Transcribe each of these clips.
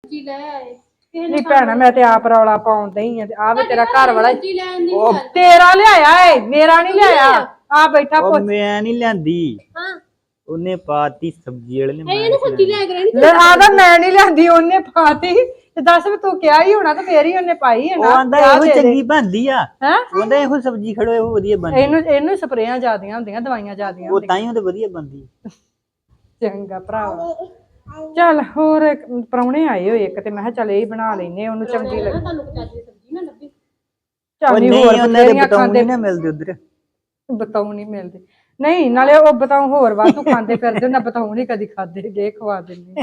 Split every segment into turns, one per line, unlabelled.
ਜੀ ਲੈ ਆਏ
ਨਹੀਂ ਭੈਣਾ ਮੈਂ ਤੇ ਆਪ ਰੌਲਾ ਪਾਉਣ ਡਈ ਆ ਤੇ ਆ ਵੇ ਤੇਰਾ ਘਰ ਵਾਲਾ ਤੇਰਾ ਲਿਆਇਆ ਏ ਮੇਰਾ ਨਹੀਂ ਲਿਆਇਆ ਆ ਬੈਠਾ
ਉਹ ਮੈਂ ਨਹੀਂ ਲਿਆਂਦੀ
ਹਾਂ
ਉਹਨੇ ਪਾਤੀ ਸਬਜ਼ੀ ਵਾਲੇ ਨੇ
ਇਹਨੂੰ ਸਬਜ਼ੀ ਲੈ ਕੇ ਰਹਿਣੀ
ਲੈ ਆਦਾ ਮੈਂ ਨਹੀਂ ਲਿਆਂਦੀ ਉਹਨੇ ਪਾਤੀ ਤੇ ਦੱਸ ਵੀ ਤੂੰ ਕਿਹਾ ਹੀ ਹੋਣਾ ਤੇ ਫੇਰ ਹੀ ਉਹਨੇ ਪਾਈ ਹੈ
ਉਹ
ਨਾ
ਆਂਦਾ ਇਹੋ ਚੰਗੀ ਬਣਦੀ ਆ
ਹੈ
ਉਹਦਾ ਇਹੋ ਸਬਜ਼ੀ ਖੜੋ ਇਹੋ ਵਧੀਆ ਬਣਦੀ
ਇਹਨੂੰ ਸਪਰੇਆਂ ਜ਼ਿਆਦੀਆਂ ਹੁੰਦੀਆਂ ਦਵਾਈਆਂ ਜ਼ਿਆਦੀਆਂ
ਉਹ ਤਾਂ ਹੀ ਉਹਦੇ ਵਧੀਆ ਬਣਦੀ
ਚੰਗਾ ਭਰਾਵਾ ਚੱਲ ਹੋਰ ਪ੍ਰਾਹੁਣੇ ਆਏ ਹੋਏ ਇੱਕ ਤੇ ਮੈਂ ਕਿਹਾ ਚੱਲ ਇਹ ਬਣਾ ਲੈਨੇ ਉਹਨੂੰ ਚੰਗੀ ਲੱਗੀ
ਤੁਹਾਨੂੰ ਚਾਚੀ ਸਬਜ਼ੀ ਨਾ ਲੱਭੀ
ਚੱਲ
ਨਹੀਂ
ਹੋਰ
ਉਹਨਾਂ ਦੇ
ਬਥੇਰੀਆਂ
ਬਤਾਉ
ਖਾਂਦੇ
ਨਹੀਂ ਨਾ ਮਿਲਦੇ ਉਧਰ
ਬਤਾਉ ਨਹੀਂ ਮਿਲਦੇ ਨਹੀਂ ਨਾਲੇ ਉਹ ਬਤਾਉ ਹੋਰ ਵਾਧੂ ਖਾਂਦੇ ਫਿਰਦੇ ਨਾ ਬਤਾਉ ਨਹੀਂ ਕਦੀ ਖਾਦੇ ਜੇ ਖਵਾ ਦਿੰਦੇ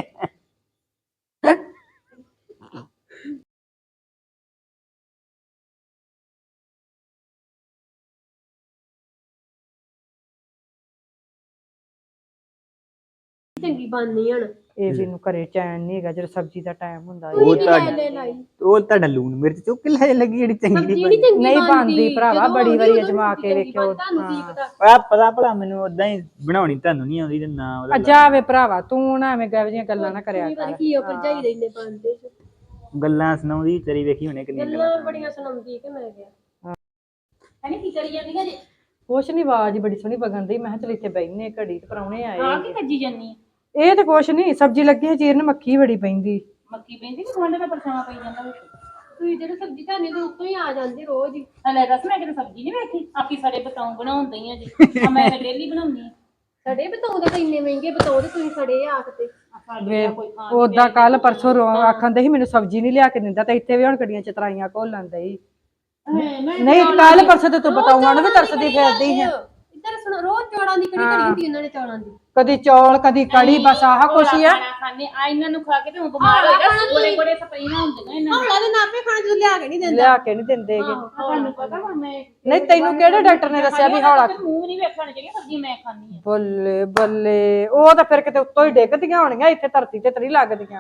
ਚੰਗੀ ਬਣਨੀ ਹਣ
ਇਹ ਵੀ ਨੂੰ ਘਰੇ ਚੈਨ ਨਹੀਂ ਹੈਗਾ ਜਦੋਂ ਸਬਜ਼ੀ ਦਾ ਟਾਈਮ ਹੁੰਦਾ
ਉਹ ਤੁਹਾਡਾ ਲੂਣ ਮਿਰਚ ਚੁੱਕ ਲੈ ਲੱਗੀ ਜਿਹੜੀ ਚੰਗੀ
ਨਹੀਂ ਬਣਦੀ ਭਰਾਵਾ ਬੜੀ ਵਾਰੀ ਅਜਮਾ ਕੇ ਵੇਖਿਓ
ਆ ਪਤਾ ਭਲਾ ਮੈਨੂੰ ਉਦਾਂ ਹੀ ਬਣਾਉਣੀ ਤੁਹਾਨੂੰ ਨਹੀਂ ਆਉਂਦੀ ਤੇ ਨਾ ਉਹਦਾ
ਜਾਵੇ ਭਰਾਵਾ ਤੂੰ ਨਾ ਐਵੇਂ ਗਾਵ ਦੀਆਂ ਗੱਲਾਂ ਨਾ ਕਰਿਆ ਕਰ
ਕੀ ਉਹ ਭਰਜਾਈ ਦੇ ਇੰਨੇ ਪਾਉਂਦੇ
ਗੱਲਾਂ ਸੁਣਾਉਂਦੀ ਤੇਰੀ ਵੇਖੀ ਹੁਣੇ ਕਿੰਨੀ
ਗੱਲਾਂ ਬੜੀਆਂ ਸੁਣਾਉਂਦੀ ਕਿ ਮੈਂ ਗਿਆ ਇਹਨੇ ਕੀ ਕਰੀ ਜਾਂਦੀਆਂ ਜੀ
ਕੁਛ ਨਹੀਂ ਆਵਾਜ਼ ਬੜੀ ਸੋਹਣੀ ਵਗਣ ਦੀ ਮੈਂ ਕਿਹਾ ਚਲ ਇੱਥੇ ਬੈਠਨੇ ਘੜੀ ਤੇ ਪ੍ਰਾਹੁਣੇ ਆਏ
ਹਾਂ ਕੀ ਕੱਜੀ ਜਾਨੀ
ਇਹ ਤੇ ਕੁਛ ਨਹੀਂ ਸਬਜ਼ੀ ਲੱਗੀ ਹੈ ਚੀਰਨ ਮੱਖੀ ਬੜੀ ਪੈਂਦੀ
ਮੱਕੀ ਪੈਂਦੀ ਕਿ ਗਵਾਂਢ ਦਾ ਪਰਛਾਵਾਂ ਪਈ ਜਾਂਦਾ ਵਿੱਚ ਤੁਸੀਂ ਜਿਹੜੇ ਸਬਜ਼ੀ ਧਾਨੀ ਦੇ ਉੱਤੋਂ ਹੀ ਆ ਜਾਂਦੀ ਰੋਜ਼ ਹੀ ਹਲੇ ਦੱਸ ਮੈਂ ਕਿਤੇ ਸਬਜ਼ੀ ਨਹੀਂ ਵੇਖੀ ਆਪੀ ਸਾਡੇ ਬਤਾਉ ਬਣਾਉਂਦੀ ਆ ਜੀ ਆ ਮੈਂ ਡੇਲੀ ਬਣਾਉਂਦੀ ਆ ਸਾਡੇ ਬਤਾਉ ਦੇ ਇੰਨੇ ਮਹਿੰਗੇ ਬਤਾਉ ਤੇ ਤੁਸੀਂ ਖੜੇ ਆ ਕਿਤੇ
ਉਦਾਂ ਕੱਲ ਪਰਸੋਂ ਆਖਣ ਦੇ ਸੀ ਮੈਨੂੰ ਸਬਜ਼ੀ ਨਹੀਂ ਲਿਆ ਕੇ ਦਿੰਦਾ ਤੇ ਇੱਥੇ ਵੀ ਹੁਣ ਕੜੀਆਂ ਚਤਰਾਈਆਂ ਘੋਲਣ ਦਈ ਨਹੀਂ ਕੱਲ ਪਰਸੋਂ ਤੇ ਤੂੰ ਬਤਾਉਂਗਾ ਨਾ ਵੀ ਤਰਸਦੀ ਫਿਰਦੀ ਹੈ
ਇੱਧਰ ਸੁਣ ਰੋਜ਼ ਚੌੜਾਂ ਦੀ ਕੜੀ ਕਰੀ ਹੁੰਦੀ ਉਹਨਾਂ ਨੇ ਚੌੜਾਂ ਦੀ
ਕਦੀ ਚੌਲ ਕਦੀ ਕੜੀ ਬਸ ਆਹ ਕੁਛ ਹੀ ਆ
ਖਾਣੇ ਆ ਇਹਨਾਂ ਨੂੰ ਖਾ ਕੇ ਤੇ ਬਿਮਾਰ ਹੋ ਜਾ ਗੋੜੇ ਗੋੜੇ ਸਪਰੇਆਂ ਹੁੰਦੀਆਂ ਇਹਨਾਂ ਨੂੰ ਦੇ ਨਾਪੇ ਖਾਣਾ ਜਦੋਂ ਲਿਆ ਕੇ ਨਹੀਂ ਦਿੰਦੇ
ਲਿਆ ਕੇ ਨਹੀਂ ਦਿੰਦੇ
ਤੁਹਾਨੂੰ ਪਤਾ ਹੁਣ ਮੈਂ
ਨਹੀਂ ਤੈਨੂੰ ਕਿਹੜੇ ਡਾਕਟਰ ਨੇ ਦੱਸਿਆ ਵੀ ਹੌਲਾ
ਮੂੰਹ ਨਹੀਂ ਵੇਖਣ ਚਾਹੀਏ ਸਬਜ਼ੀ ਮੈਂ ਖਾਣੀ ਆ
ਬੱਲੇ ਬੱਲੇ ਉਹ ਤਾਂ ਫਿਰ ਕਿਤੇ ਉੱਤੋਂ ਹੀ ਡਿੱਗਦੀਆਂ ਹੋਣੀਆਂ ਇੱਥੇ ਧਰਤੀ ਤੇ ਤਰੀ ਲੱਗਦੀਆਂ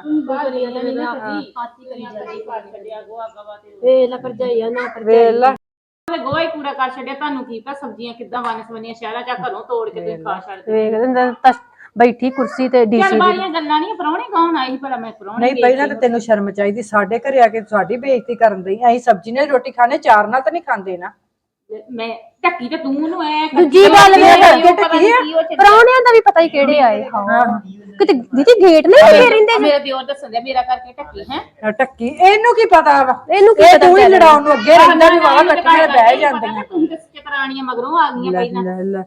ਵੇਲਾ ਭਰਜਾਈਆ ਨਾ
ਵੇਲਾ
ਗੋਹਾ ਹੀ ਕੂੜਾ ਕਰ ਛੱਡਿਆ ਤੁਹਾਨੂੰ ਕੀ ਪਤਾ ਸਬਜ਼ੀਆਂ ਕਿੱਦਾਂ ਵੰਨ-ਸਵੰਨੀਆਂ ਸ਼ਹਿਰਾਂ ਚ ਘਰੋਂ ਤੋੜ ਕੇ ਤੁਸੀਂ ਖਾ ਛੱਡਦੇ
ਵੇਖ ਦਿੰਦਾ ਬੈਠੀ ਕੁਰਸੀ ਤੇ ਡੀਸੀ
ਚੱਲ ਬਾਰੀਆਂ ਗੱਲਾਂ ਨਹੀਂ ਪ੍ਰਾਹੁਣੇ ਕੌਣ ਆਈ ਭਲਾ ਮੈਂ ਪ੍ਰਾਹੁਣੇ
ਨਹੀਂ ਪਹਿਲਾਂ ਤਾਂ ਤੈਨੂੰ ਸ਼ਰਮ ਚਾਹੀਦੀ ਸਾਡੇ ਘਰੇ ਆ ਕੇ ਸਾਡੀ ਬੇਇੱਜ਼ਤੀ ਕਰਨ ਦੀ ਅਸੀਂ ਸਬਜ਼ੀ ਨਾਲ ਰੋਟੀ ਖਾਣੇ ਚਾਰ ਨਾਲ ਤਾਂ ਨਹੀਂ ਖਾਂਦੇ ਨਾ
ਮੈਂ ਢੱਕੀ ਤੇ ਤੂੰ ਨੂੰ ਐ
ਦੂਜੀ ਗੱਲ ਇਹ ਕਰਕੇ ਟੱਕੀ ਪ੍ਰਾਹੁਣਿਆਂ ਦਾ ਵੀ ਪਤਾ ਹੀ ਕਿਹੜੇ ਆਏ ਹਾਂ ਕਿਤੇ ਦੀਦੀ ਗੇਟ ਨਹੀਂ ਲੱਗੇ ਰਹਿੰਦੇ
ਮੇਰਾ ਦਿਓਰ ਦੱਸਣ ਦਿਆ ਮੇਰਾ ਕਰਕੇ ਢੱਕੀ ਹੈ
ਟੱਕੀ ਇਹਨੂੰ ਕੀ ਪਤਾ ਵਾ
ਇਹਨੂੰ ਕੀ
ਇਹ
ਪਤਾ
ਤੂੰ ਹੀ ਲੜਾਉਣ ਨੂੰ ਅੱਗੇ ਰਹਿੰਦਾ ਵੀ ਵਾਹ ਇਕੱਠੀਆਂ ਬਹਿ ਜਾਂਦੀਆਂ
ਤੁਸੀਂ ਤੇ ਚਤਰਾਣੀਆਂ ਮਗਰੋਂ ਆ ਗਈਆਂ ਪਹਿਲਾਂ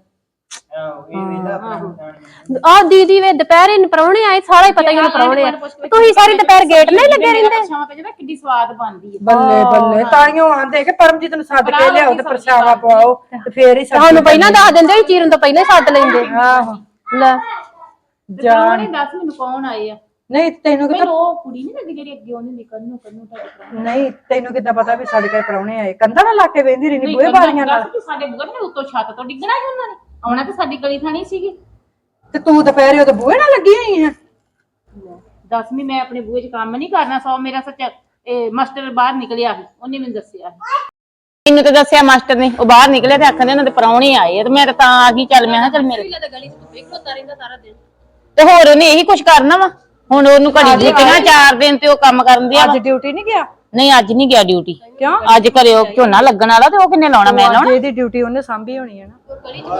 ਆ ਦੀਦੀ ਵੇ ਦੁਪਹਿਰੇ ਨੂੰ ਪ੍ਰਾਹੁਣੇ ਆਏ ਸਾਰਾ ਹੀ ਪਤਾ ਹੀ ਉਹਨੂੰ ਪ੍ਰਾਹੁਣੇ ਆ ਤੁਸੀਂ ਸਾਰੀ ਦੁਪਹਿਰ ਗੇਟ ਨਹੀਂ ਲੱਗੇ ਰਹਿੰਦੇ
ਸ਼ਾਮ ਤੇ ਜਿਹੜਾ ਕਿੱਡੀ ਸਵਾਦ ਬਣਦੀ ਹੈ
ਬੱਲੇ ਬੱਲੇ ਤਾਈਓ ਆਂਦੇ ਕਿ ਪਰਮਜੀਤ ਨੂੰ ਸੱਦ ਕੇ ਲਿਆਓ ਤੇ ਪ੍ਰਸ਼ਾਵਾ ਪਵਾਓ ਤੇ ਫੇਰ ਹੀ
ਸਾਨੂੰ ਪਹਿਲਾਂ ਦੱਸ ਦਿੰਦੇ ਚੀਰਨ ਤੋਂ ਪਹਿਲਾਂ ਹੀ ਸੱਦ ਲੈਂਦੇ
ਆਹੋ
ਲੈ
ਪ੍ਰਾਹੁਣੇ ਦੱਸ ਮੈਨੂੰ ਕੌਣ ਆਏ ਆ
ਨਹੀਂ ਤੈਨੂੰ
ਮੈਨੂੰ ਉਹ ਕੁੜੀ ਨਹੀਂ ਲੱਗੀ ਜਿਹੜੀ ਅੱਗੇ ਉਹਨੇ ਨਿਕਲ ਨੂੰ ਤੁਹਾਡੇ
ਨਹੀਂ ਤੈਨੂੰ ਕਿੱਦਾਂ ਪਤਾ ਵੀ ਸਾਡੇ ਘਰ ਪ੍ਰਾਹੁਣੇ ਆਏ ਕੰਧਾਂ ਨਾਲ ਲਾ ਕੇ ਵੇਂਦੀ ਰਹਿੰਦੀ ਬੂਹੇ ਬਾਰੀਆਂ ਨਾਲ
ਸਾਡੇ ਬੂਹੇ ਨੇ ਉੱਤੋਂ ਛੱਤ ਤੋਂ ਡਿੱਗਣਾ ਸੀ ਉਹਨਾਂ ਨੇ ਆਉਣਾ ਤੇ ਸਾਡੀ ਗਲੀ ਥਾਣੀ ਸੀਗੀ
ਤੇ ਤੂੰ ਦੁਪਹਿਰੇ ਉਹਦੇ ਬੂਹੇ ਨਾਲ ਲੱਗੀ ਹੋਈ ਹੈ
ਦਸਵੀਂ ਮੈਂ ਆਪਣੇ ਬੂਹੇ 'ਚ ਕੰਮ ਨਹੀਂ ਕਰਨਾ ਸੋ ਮੇਰਾ ਸੱਚ ਇਹ ਮਾਸਟਰ ਬਾਹਰ ਨਿਕਲਿਆ ਸੀ ਉਹਨੇ ਮੈਨੂੰ ਦੱਸਿਆ
ਮੈਨੂੰ ਤਾਂ ਦੱਸਿਆ ਮਾਸਟਰ ਨੇ ਉਹ ਬਾਹਰ ਨਿਕਲੇ ਤੇ ਆਖਦੇ ਉਹਨਾਂ ਦੇ ਪ੍ਰਾਹੁਣੇ ਆਏ ਤੇ ਮੈਂ ਤਾਂ ਆ ਗਈ ਚੱਲ ਮੈਂ ਕਿਹਾ ਚੱਲ ਮੇਰੇ
ਗਲੀ 'ਚ ਤੂੰ ਵੇਖੋ ਰਹਿੰਦਾ ਸਾਰਾ ਦਿਨ
ਤੇ ਹੋਰ ਉਹਨੇ ਇਹੀ ਕੁਛ ਕਰਨਾ ਵਾ ਹੁਣ ਉਹਨੂੰ ਘੜੀ ਦਿੱਤੀਆਂ 4 ਦਿਨ ਤੇ ਉਹ ਕੰਮ ਕਰਨ ਦਿਆ
ਅੱਜ ਡਿਊਟੀ ਨਹੀਂ ਗਿਆ
ਨਹੀਂ ਅੱਜ ਨਹੀਂ ਗਿਆ ਡਿਊਟੀ
ਕਿਉਂ
ਅੱਜ ਘਰੇ ਉਹ ਝੋਨਾ ਲੱਗਣ ਵਾਲਾ ਤੇ ਉਹ ਕਿੰਨੇ ਲਾਉਣਾ ਮੈਂ ਲਾਉਣਾ
ਇਹਦੀ ਡਿਊਟੀ ਉਹਨੇ ਸਾਂਭੀ ਹੋਣੀ ਹੈ ਨਾ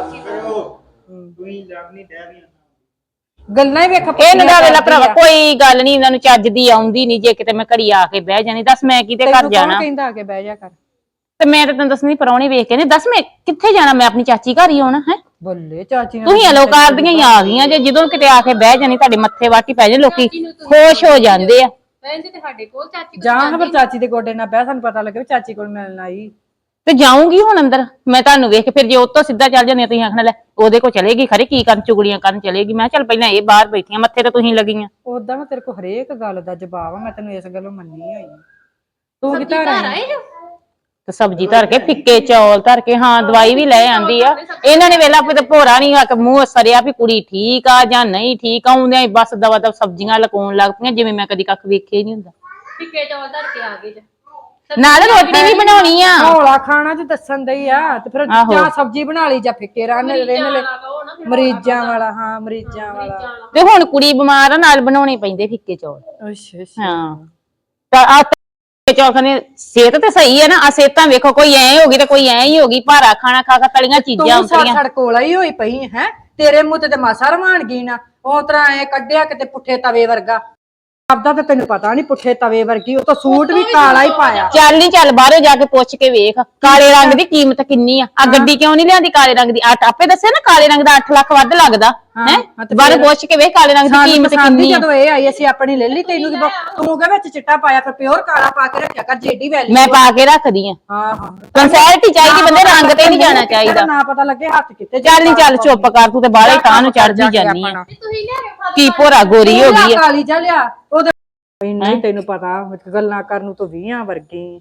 ਗੱਲਾਂ ਹੀ ਵੇਖ
ਇਹ ਨਾ ਵੇਲਾ ਭਰਾਵਾ ਕੋਈ ਗੱਲ ਨਹੀਂ ਇਹਨਾਂ ਨੂੰ ਚੱਜ ਦੀ ਆਉਂਦੀ ਨਹੀਂ ਜੇ ਕਿਤੇ ਮੈਂ ਘੜੀ ਆ ਕੇ ਬਹਿ ਜਾਣੀ ਦੱਸ ਮੈਂ ਕਿਤੇ ਘਰ ਜਾਣਾ
ਕਹਿੰਦਾ ਆ ਕੇ ਬਹਿ ਜਾ ਕਰ
ਤੇ ਮੈਂ ਤਾਂ ਤੈਨੂੰ ਦੱਸਣੀ ਪ੍ਰਾਹੁਣੇ ਵੇਖ ਕੇ ਨੇ ਦੱਸ ਮੈਂ ਕਿੱਥੇ ਜਾਣਾ ਮੈਂ ਆਪਣੀ ਚਾਚੀ ਘਰ ਹੀ ਆਉਣਾ ਹੈ
ਬੱਲੇ ਚਾਚੀ
ਤੁਸੀਂ ਅਲੋਕਾਰ ਦੀਆਂ ਹੀ ਆ ਗਈਆਂ ਜੇ ਜਦੋਂ ਕਿਤੇ ਆ ਕੇ ਬਹਿ ਜਾਣੀ ਤੁਹਾਡੇ ਮੱਥੇ ਵਾਟੀ ਪੈ ਜਾਏ ਲੋਕੀ ਖੁਸ਼ ਹੋ ਜਾਂਦੇ ਆ
ਭੈਣ ਤੇ ਸਾਡੇ ਕੋਲ ਚਾਚੀ
ਜਾਂ ਫਿਰ ਚਾਚੀ ਦੇ ਗੋਡੇ ਨਾਲ ਬਹਿ ਸਾਨੂੰ ਪਤਾ ਲੱਗੇ ਵੀ ਚਾਚੀ ਕੋਲ ਮਿਲਣ ਆਈ
ਤੇ ਜਾਊਂਗੀ ਹੁਣ ਅੰਦਰ ਮੈਂ ਤੁਹਾਨੂੰ ਵੇਖ ਕੇ ਫਿਰ ਜੇ ਉੱਤੋਂ ਸਿੱਧਾ ਚੱਲ ਜਾਂਦੇ ਤੁਸੀਂ ਆਖਣਾ ਲੈ ਉਹਦੇ ਕੋਲ ਚਲੇਗੀ ਖਰੇ ਕੀ ਕਰਨ ਚੁਗਲੀਆਂ ਕਰਨ ਚਲੇਗੀ ਮੈਂ ਚੱਲ ਪਹਿਲਾਂ ਇਹ ਬਾਹਰ ਬੈਠੀਆਂ ਮੱਥੇ ਤੇ ਤੁਸੀਂ ਲੱਗੀਆਂ
ਉਦਾਂ ਮੈਂ ਤੇਰੇ ਕੋਲ ਹਰੇਕ ਗੱਲ ਦਾ ਜਵਾਬ ਆ ਮੈਂ ਤੈਨੂੰ ਇਸ ਗੱਲੋਂ ਮੰਨੀ ਹੋਈ ਤੂੰ ਕਿੱਥੇ ਆਈ
ਤੇ ਸਬਜ਼ੀ ਧਰ ਕੇ ਫਿੱਕੇ ਚੌਲ ਧਰ ਕੇ ਹਾਂ ਦਵਾਈ ਵੀ ਲੈ ਆਂਦੀ ਆ ਇਹਨਾਂ ਨੇ ਵੇਲਾ ਤੇ ਭੋਰਾ ਨਹੀਂ ਆ ਕੇ ਮੂੰਹ ਸਰਿਆ ਵੀ ਕੁੜੀ ਠੀਕ ਆ ਜਾਂ ਨਹੀਂ ਠੀਕ ਆਉਂਦਿਆਂ ਬਸ ਦਵਾ ਦਵ ਸਬਜ਼ੀਆਂ ਲਕਾਉਣ ਲੱਗ ਪਈਆਂ ਜਿਵੇਂ ਮੈਂ ਕਦੀ ਕੱਖ ਵੇਖਿਆ ਹੀ ਨਹੀਂ ਹੁੰਦਾ
ਫਿੱਕੇ ਚੌਲ ਧਰ ਕੇ ਆ ਗਏ
ਨਾਲ ਰੋਟੀ ਵੀ ਬਣਾਉਣੀ ਆ।
ਹੌਲਾ ਖਾਣਾ ਤੇ ਦੱਸਣ ਦਈ ਆ ਤੇ ਫਿਰ
ਆਹੋ।
ਜਾਂ ਸਬਜ਼ੀ ਬਣਾ ਲਈ ਜਾਂ ਫਿੱਕੇ ਰਹਿਣ ਲੈ ਮਰੀਜ਼ਾਂ ਵਾਲਾ ਹਾਂ ਮਰੀਜ਼ਾਂ ਵਾਲਾ।
ਤੇ ਹੁਣ ਕੁੜੀ ਬਿਮਾਰ ਆ ਨਾਲ ਬਣਾਉਣੇ ਪੈਂਦੇ ਫਿੱਕੇ ਚੌਲ।
ਅੱਛਾ ਅੱਛਾ
ਹਾਂ ਤਾਂ ਆ ਫਿੱਕੇ ਚੌਲ ਖਾਣੇ ਸਿਹਤ ਤੇ ਸਹੀ ਹੈ ਨਾ। ਆ ਸਿਹਤਾਂ ਵੇਖੋ ਕੋਈ ਐ ਹੋ ਗਈ ਤੇ ਕੋਈ ਐ ਹੀ ਹੋ ਗਈ। ਭਾਰਾ ਖਾਣਾ ਖਾ ਖਾ ਤਲੀਆਂ ਚੀਜ਼ਾਂ
ਤੂੰ
ਹੁੰਦੀਆਂ।
ਸੜ ਕੋਲਾ ਹੀ ਹੋਈ ਪਈ ਹੈ ਤੇਰੇ ਮੂੰਹ ਤੇ ਮਾਸਾ ਰਵਾਨ ਗਈ ਨਾ ਉਹ ਤਰ੍ਹਾਂ ਐ ਕੱਢਿਆ ਕਿਤੇ ਪੁੱਠੇ ਤਵੇ ਵਰਗਾ। ਆਪਦਾ ਤਾਂ ਤੈਨੂੰ ਪਤਾ ਨਹੀਂ ਪੁੱਠੇ ਤਵੇ ਵਰਗੀ ਉਹ ਤਾਂ ਸੂਟ ਵੀ ਕਾਲਾ ਹੀ ਪਾਇਆ।
ਚੱਲ ਨਹੀਂ ਚੱਲ ਬਾਹਰੋਂ ਜਾ ਕੇ ਪੁੱਛ ਕੇ ਵੇਖ ਕਾਲੇ ਰੰਗ ਦੀ ਕੀਮਤ ਕਿੰਨੀ ਆ ਗੱਡੀ ਕਿਉਂ ਨਹੀਂ ਲਿਆਂਦੀ ਕਾਲੇ ਰੰਗ ਦੀ ਆਪੇ ਦੱਸਿਆ ਨਾ ਕਾਲੇ ਰੰਗ ਦਾ 8 ਲੱਖ ਵੱਧ ਲੱਗਦਾ ਹੈ ਬਾਹਰੋਂ ਪੁੱਛ ਕੇ ਵੇਖ ਕਾਲੇ ਰੰਗ ਦੀ ਕੀਮਤ ਕਿੰਨੀ ਆ।
ਜਦੋਂ ਇਹ ਆਈ ਅਸੀਂ ਆਪਣੀ ਲੈ ਲਈ ਤੈਨੂੰ ਤੂੰ ਕਹ ਵਿੱਚ ਚਿੱਟਾ ਪਾਇਆ ਫਿਰ ਪਿਓਰ ਕਾਲਾ ਪਾ ਕੇ ਰੱਖਿਆ ਕਰ ਜੇਡੀ ਵੈਲੀ
ਮੈਂ ਪਾ ਕੇ ਰੱਖਦੀ ਆ।
ਹਾਂ ਹਾਂ
ਕੰਸੈਲਟੀ ਚਾਹੀਦੀ ਬੰਦੇ ਰੰਗ ਤੇ ਨਹੀਂ ਜਾਣਾ ਚਾਹੀਦਾ।
ਨਾ ਪਤਾ ਲੱਗੇ ਹੱਥ ਕਿੱਥੇ
ਚੱਲ ਨਹੀਂ ਚੱਲ ਚੁੱਪ ਕਰ ਤੂੰ ਤੇ ਬਾਹਲੇ ਤਾਂ ਨੂੰ ਚੜਦੀ ਜਾਨੀ ਆ। ਕੀ ਭੋਰਾ ਗੋਰੀ ਹੋ ਗਈ ਆ
ਕਾਲੀ ਜਾ ਲਿਆ ਉਹਦੇ ਨਹੀਂ ਤੈਨੂੰ ਪਤਾ ਗੱਲਾਂ ਕਰਨ ਨੂੰ ਤਾਂ 20 ਵਰਗੀ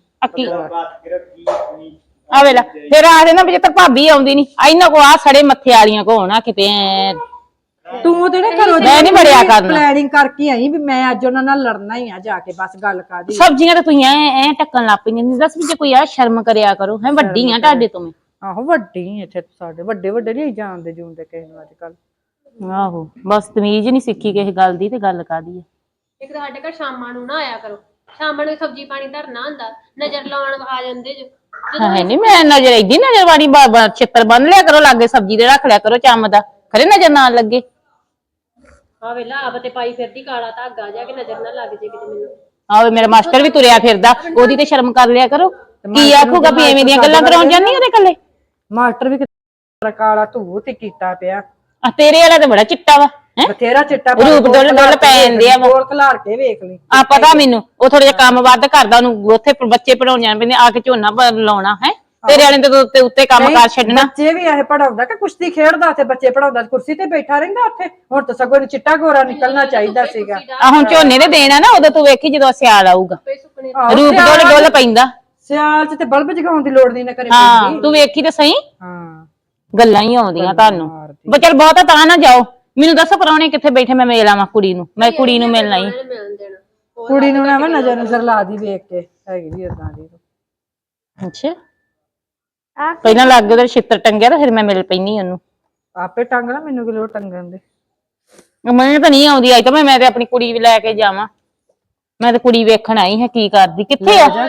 ਆ ਵੇਲਾ ਫਿਰ ਆ ਦੇ ਨਾ ਵੀ ਤੇ ਭਾਬੀ ਆਉਂਦੀ ਨਹੀਂ ਇਹਨਾਂ ਕੋ ਆ ਸੜੇ ਮੱਥੇ ਵਾਲੀਆਂ ਕੋ ਹੋਣਾ ਕਿਤੇ
ਤੂੰ ਤੇ ਨਾ ਘਰੋਂ
ਮੈਂ ਨਹੀਂ ਬੜਿਆ ਕਰਨਾ
ਪਲੈਨਿੰਗ ਕਰਕੇ ਆਈ ਵੀ ਮੈਂ ਅੱਜ ਉਹਨਾਂ ਨਾਲ ਲੜਨਾ ਹੀ ਆ ਜਾ ਕੇ ਬਸ ਗੱਲ ਕਾਦੀ।
ਸਬਜ਼ੀਆਂ ਤਾਂ ਤੁਸੀਂ ਐ ਟੱਕਣ ਲੱਗ ਪਈਆਂ ਨਹੀਂ ਦੱਸ ਵੀ ਜੇ ਕੋਈ ਆ ਸ਼ਰਮ ਕਰਿਆ ਕਰੋ ਹੈ ਵੱਡੀ ਆ ਤੁਹਾਡੇ ਤੋਂ ਮੈਂ।
ਆਹੋ ਵੱਡੀ ਇੱਥੇ ਸਾਡੇ ਵੱਡੇ ਵੱਡੇ ਨਹੀਂ ਜਾਣਦੇ ਜੂਣਦੇ ਕਿਸੇ ਨੂੰ ਅੱਜ ਕੱਲ।
ਆਹੋ ਬਸ ਤਮੀਜ਼ ਨਹੀਂ ਸਿੱਖੀ ਕਿਸੇ ਗੱਲ ਦੀ ਤੇ ਗੱਲ ਕਾਦੀ ਆ।
ਇੱਕ ਤਾਂ ਸਾਡੇ ਘਰ ਸ਼ਾਮਾਂ ਨੂੰ ਨਾ ਆਇਆ ਕਰੋ। ਸ਼ਾਮਾਂ ਨੂੰ ਸਬਜ਼ੀ ਪਾਣੀ ਧਰਨਾ ਹੁੰਦਾ ਨਜ਼ਰ ਲਾਉਣ ਆ ਜਾਂਦੇ ਜੋ।
ਹਾਂ ਨਹੀਂ ਮੈਂ ਨਜ਼ਰ ਏਦੀ ਨਜ਼ਰ ਵਾਲੀ ਛਿੱਤਰ ਬੰਨ ਲਿਆ ਕਰੋ ਲਾਗੇ ਸਬਜ਼ੀ ਦੇ ਰੱਖ ਲਿਆ ਕਰੋ ਚੰਮ ਦਾ ਖਰੇ ਨਜ਼ਰ ਨਾ ਲੱਗੇ।
ਆ ਵੇਲਾ ਆਪ ਤੇ ਪਾਈ ਫਿਰਦੀ ਕਾਲਾ ਧਾਗਾ ਜਾ ਕੇ ਨਜ਼ਰ ਨਾ ਲੱਗ ਜੇ ਕਿਤੇ ਮੈਨੂੰ।
ਆਹੋ ਮੇਰਾ ਮਾਸਟਰ ਵੀ ਤੁਰਿਆ ਫਿਰਦਾ ਉਹਦੀ ਤੇ ਸ਼ਰਮ ਕਰ ਲਿਆ ਕਰੋ। ਕੀ ਆਖੂਗਾ ਵੀ ਐਵੇਂ ਦੀਆਂ ਗੱਲਾਂ ਕਰਾਉਣ ਜਾਂਦੀ ਉਹਦੇ ਕੱਲੇ।
ਮਾਸਟਰ ਵੀ ਕਾਲਾ ਧੂ ਤੇ ਕੀਤਾ ਪਿਆ
ਆ ਤੇਰੇ ਵਾਲਾ ਤੇ ਬੜਾ ਚਿੱਟਾ ਵਾ ਹੈ
ਬਥੇਰਾ ਚਿੱਟਾ
ਰੂਪ ਡੁੱਲ ਪੈ ਜਾਂਦੇ ਆ
ਗੋਲ ਖਲਾਰ ਕੇ ਵੇਖ ਲਈ
ਆ ਪਤਾ ਮੈਨੂੰ ਉਹ ਥੋੜਾ ਜਿਹਾ ਕੰਮ ਵੱਧ ਕਰਦਾ ਉਹਨੂੰ ਉੱਥੇ ਬੱਚੇ ਪੜਾਉਣ ਜਾਣ ਪੈਂਦੇ ਆ ਕੇ ਝੋਨਾ ਲਾਉਣਾ ਹੈ ਤੇਰੇ ਵਾਲੇ ਦੇ ਉੱਤੇ ਕੰਮ ਕਾਰ ਛੱਡਣਾ।
ਬੱਚੇ ਵੀ ਇਹ ਪੜਾਉਂਦਾ ਕਿ ਕੁਸ਼ਤੀ ਖੇਡਦਾ ਤੇ ਬੱਚੇ ਪੜਾਉਂਦਾ ਕੁਰਸੀ ਤੇ ਬੈਠਾ ਰਹਿੰਦਾ ਉੱਥੇ। ਹੁਣ ਤਾਂ ਸਗੋਂ ਨੂੰ ਚਿੱਟਾ ਗੋਰਾ ਨਿਕਲਣਾ ਚਾਹੀਦਾ ਸੀਗਾ।
ਆ ਹੁਣ ਝੋਨੇ ਦੇ ਦੇਣਾ ਨਾ ਉਦੋਂ ਤੂੰ ਵੇਖੀ ਜਦੋਂ ਸਿਆਲ ਆਊਗਾ ਰੂਪ ਡੁੱਲ ਪੈਂਦਾ।
ਸਿਆਲ ਚ ਤੇ ਬਲਬ ਜਗਾਉਣ ਦੀ ਲੋੜ ਨਹੀਂ ਨਾ ਕਰੇ
ਹਾਂ ਤੂੰ ਵੇਖੀ ਤੇ ਸਹੀ
ਹਾਂ
ਗੱਲਾਂ ਹੀ ਆਉਂਦੀਆਂ ਤੁਹਾਨੂੰ ਬਚਲ ਬਹੁਤਾ ਤਾਂ ਨਾ ਜਾਓ। ਮੈਨੂੰ ਦੱਸੋ ਪਰਾਉਣੇ ਕਿੱਥੇ ਬੈਠੇ ਮੈਂ ਮਿਲ ਆਵਾਂ ਕੁੜੀ ਨੂੰ ਮੈਂ ਕੁੜੀ ਨੂੰ ਮਿਲਣਾ ਹੀ
ਕੁੜੀ ਨੂੰ ਨਾ ਨਜ਼ਰ ਨਜ਼ਰ ਲਾ ਦੀ ਵੇਖ ਕੇ ਹੈਗੀ ਵੀ ਏਦਾਂ ਦੀ।
ਅੱਛਾ ਪਹਿਲਾਂ ਲੱਗ ਉਹਦੇ ਛਿੱਤਰ ਟੰਗਿਆ ਤਾਂ ਫਿਰ ਮੈਂ ਮਿਲ ਪੈਣੀ ਉਹਨੂੰ।
ਆਪੇ ਟੰਗਣਾ ਮੈਨੂੰ ਕਿ ਲੋੜ ਟੰਗਣ ਦੇ।
ਮੈਨੂੰ ਤਾਂ ਨਹੀਂ ਆਉਂਦੀ ਅੱਜ ਤਾਂ ਮੈਂ ਤੇ ਆਪਣੀ ਕੁੜੀ ਵੀ ਲੈ ਕੇ ਜਾਵਾਂ। ਮੈਂ ਤਾਂ ਕੁੜੀ ਵੇਖਣ ਆਈ ਹਾਂ ਕੀ ਕਰਦੀ ਕਿੱਥੇ ਆ।